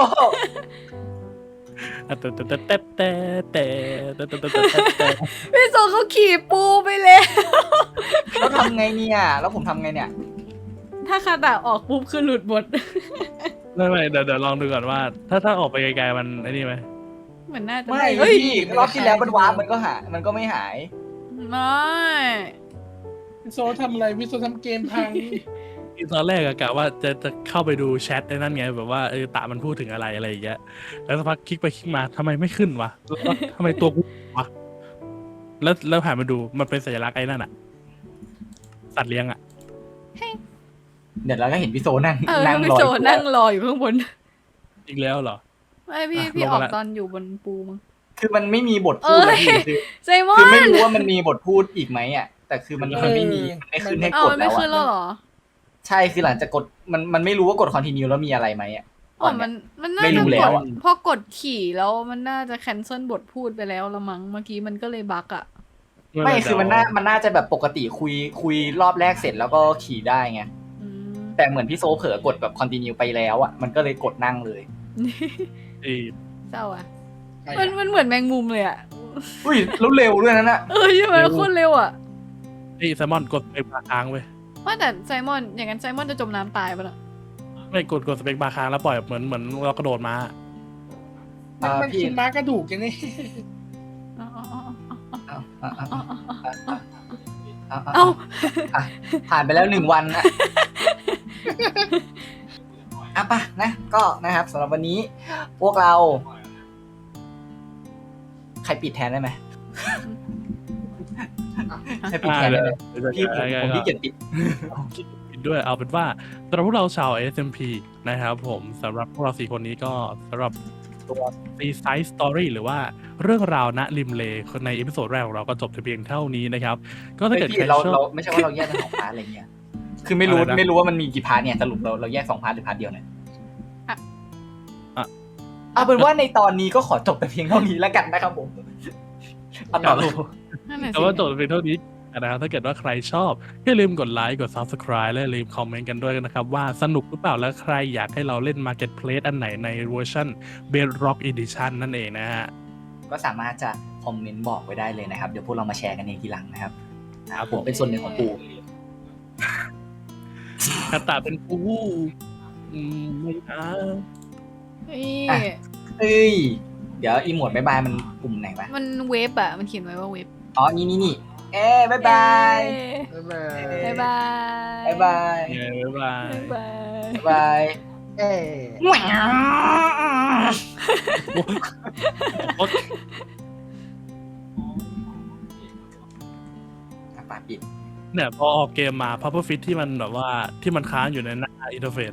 [SPEAKER 2] แต่แต่แต่แต่แต่แต่แต่แต่แต่แต่
[SPEAKER 1] พี่โซเขาขี่ปูไปแล้ว
[SPEAKER 4] แล้วทำไงเนี่ย แล้วผมทำไงเนี่ย
[SPEAKER 1] ถ้าคาตาออกปุ๊บคือหลุดหมด
[SPEAKER 2] ไม่ไม่เดี๋ยวเดี๋ยวลองดูก่อนว่า ถ้าถ้าออกไปไกลๆมันไอ้นี่ไหม
[SPEAKER 1] เหมือนน่าจะ
[SPEAKER 4] ไม่
[SPEAKER 1] เฮ้ย
[SPEAKER 4] พี่รอบที่แล้วมันวาร์ปมันก็หายมันก็ไม่หาย
[SPEAKER 1] ไม่
[SPEAKER 3] วิโซทำอะไรวิโซทำเกมพัง
[SPEAKER 2] ตอนแรกอะกะว่าจะจะเข้าไปดูแชทในนั่นไงแบบว่าเออตามันพูดถึงอะไรอะไรอย่างเงี้ยแล้วสักพักคลิกไปคลิกมาทำไมไม่ขึ้นวะแล้วก็ทำไมตัวกูวะแล้วแล้วผ่านมาดูมันเป็นสัญลักษณ์ไอ้นั่นอะสัตว์เลี้ยงอะ
[SPEAKER 4] เดี๋ยวเราก็เห็นพี่โซนั่ง
[SPEAKER 1] เออ
[SPEAKER 4] นั่ง
[SPEAKER 1] พี่
[SPEAKER 4] รอ
[SPEAKER 1] โซ
[SPEAKER 4] อยู่
[SPEAKER 1] นั่งรออยู่ข้างบน
[SPEAKER 2] อีกแล้วเหรอ
[SPEAKER 1] ไม่พี่
[SPEAKER 2] อ่ะ
[SPEAKER 1] พี่
[SPEAKER 2] ลง
[SPEAKER 1] อ
[SPEAKER 2] มา
[SPEAKER 1] อก
[SPEAKER 2] ละ
[SPEAKER 1] ตอนอยู่บนปูมั้ง
[SPEAKER 4] คือมันไม่มีบทพูด
[SPEAKER 1] เอ้
[SPEAKER 4] เลย
[SPEAKER 1] ย
[SPEAKER 4] พี่คือ
[SPEAKER 1] ไซมอ
[SPEAKER 4] คือน ไม่รู้ว่ามันมีบทพูดอีกไหมอ่ะ แต่คือมัน
[SPEAKER 3] เออ
[SPEAKER 4] มันไม่มีมันไม่ขึ้นให้
[SPEAKER 1] เอา
[SPEAKER 4] กด
[SPEAKER 1] มันไม่
[SPEAKER 4] แล้ว
[SPEAKER 1] ขึ้นแล้ว
[SPEAKER 4] อ่ะ
[SPEAKER 1] เหรอ
[SPEAKER 4] ใช่คือหลังจากกดมันมันไม่รู้ว่ากด continue แล้วมีอะไรไหมอ่ะ
[SPEAKER 1] อ๋อมันมันน่า
[SPEAKER 4] ไม่รู้
[SPEAKER 1] จะ
[SPEAKER 4] แล้
[SPEAKER 1] ก
[SPEAKER 4] ว
[SPEAKER 1] ด
[SPEAKER 4] อะ
[SPEAKER 1] พอกดขี่แล้วมันน่าจะ cancel บทพูดไปแล้วละมั้งเมื่อกี้มันก็เลยบั๊กอ่ะ
[SPEAKER 4] ไม่คือมันน่ามันน่าจะแบบปกติคุยคุยรอบแรกเสร็จแล้วก็ขี่ได้ไง
[SPEAKER 1] อืม
[SPEAKER 4] แต่เหมือนพี่โซเผลอกดแบบ continue ไปแล้วอ่ะมันก็เลยกดนั่งเลย
[SPEAKER 2] ไอ้
[SPEAKER 1] เศร้าอ่ะ
[SPEAKER 3] ใคร
[SPEAKER 1] มัน
[SPEAKER 3] อะ
[SPEAKER 1] มันเหมือนแมงมุมเลยอ่ะ
[SPEAKER 4] อุ้ยแล้วเร็วด้วยนั่นน่ะ
[SPEAKER 1] เออใช่ไหมโคตรเร็วอ่ะ
[SPEAKER 2] ไอ้แซลมอนกดสเปกบาร์ค้างเว้ย
[SPEAKER 1] ว่าแต่ไซมอนอย่างนั้นไซมอนจะจมน้ำตายปะล่ะ
[SPEAKER 2] ไม่กดกดสเปกบาร์ค้างแล้วปล่อยเหมือนเหมือนเรากระโดดมา
[SPEAKER 3] มันมันคือม้ากระดูกอย่างนี้
[SPEAKER 1] อ๋ออ๋ออ๋อ
[SPEAKER 4] เอาเอาเอา
[SPEAKER 1] อ๋อ
[SPEAKER 4] เอา
[SPEAKER 1] เอ้า
[SPEAKER 4] อ่ะผ่านไปแล้วหนึ่งวันอ่ะ อ่ะปะนะก็นะครับสำหรับวันนี้ พวกเรา ใครปิดแทนได้ไหมใครปิดแทนได้ไหมพี่ผมผมพี่เกียรติปิด
[SPEAKER 2] ปิดด้วยเอาเป็นว่าสำหรับพวกเราชาว เอส เอ็ม พี นะครับผมสำหรับพวกเราสี่คนนี้ก็สำหรับตัว Seaside Story หรือว่าเรื่องราวณริมเลในเอพิโซดแรกของเราก็จบแต่เพียงเท่านี้นะครับ ก็ถ้า
[SPEAKER 4] เฮ้ย
[SPEAKER 2] เกิด
[SPEAKER 4] พี่
[SPEAKER 2] ใคร
[SPEAKER 4] เรา
[SPEAKER 2] ชอ
[SPEAKER 4] เรา
[SPEAKER 2] บ
[SPEAKER 4] ไม่ใช่ว่าเราแยกเป็นสองพาร์ทอะไรเงี้ย คือไม่รู้
[SPEAKER 2] อะไรนะ
[SPEAKER 4] ไม่รู้ว่ามันมีกี่พาร์ทเนี่ยสรุปเราเราแยกสองพาร์ทหรือพาร์ทเดียวเนี่ย
[SPEAKER 1] อ่ะ
[SPEAKER 2] อ่ะ
[SPEAKER 4] เอาเป็นว่าในตอนนี้ก็ขอจบแต่เพียงเท่านี้แล้วกันนะครับผมเอาต่อเลย
[SPEAKER 1] นั่นแหละ
[SPEAKER 2] แต่
[SPEAKER 1] สิ
[SPEAKER 2] ว่าจบแต่เพียงเท่านี้นะครับถ้าเกิดว่าใครชอบอย่าลืมกดไลค์กด Subscribe และอย่าลืมคอมเมนต์กันด้วยนะครับว่าสนุกหรือเปล่าและใครอยากให้เราเล่น Marketplace อันไหนในเวอร์ชัน Bedrock Edition นั่นเองนะฮะ
[SPEAKER 4] ก็สามารถจะคอมเมนต์บอกไว้ได้เลยนะครับ เดี๋ยวพวกเรามาแชร์กันเองทีหลังนะครับนะครับผมเป็นส่วนหนึ่งของปู
[SPEAKER 2] คาตาเป็นปูอืมไม่นะ
[SPEAKER 1] เฮ้ย
[SPEAKER 4] เอ้ย เดี๋ยวอีโมดบายบายมันปุ่มไหนวะ
[SPEAKER 1] มันเวฟอะมันเขียนไว้ว่าเวฟ
[SPEAKER 4] อ๋อ นี่นี่นี่เอ้บายบาย
[SPEAKER 3] บ๊ายบาย
[SPEAKER 1] บ๊ายบาย
[SPEAKER 4] บายบาย
[SPEAKER 2] เนี่ยบ๊ายบาย
[SPEAKER 1] บ๊ายบาย
[SPEAKER 4] บาย
[SPEAKER 3] เอ้ย
[SPEAKER 2] โอ๊ย
[SPEAKER 4] อ่ะปาปิด
[SPEAKER 2] เนี่ยพอออกเกมมา Puffer Fish ที่มันแบบว่าที่มันค้างอยู่ในหน้าอินเทอร์เฟซ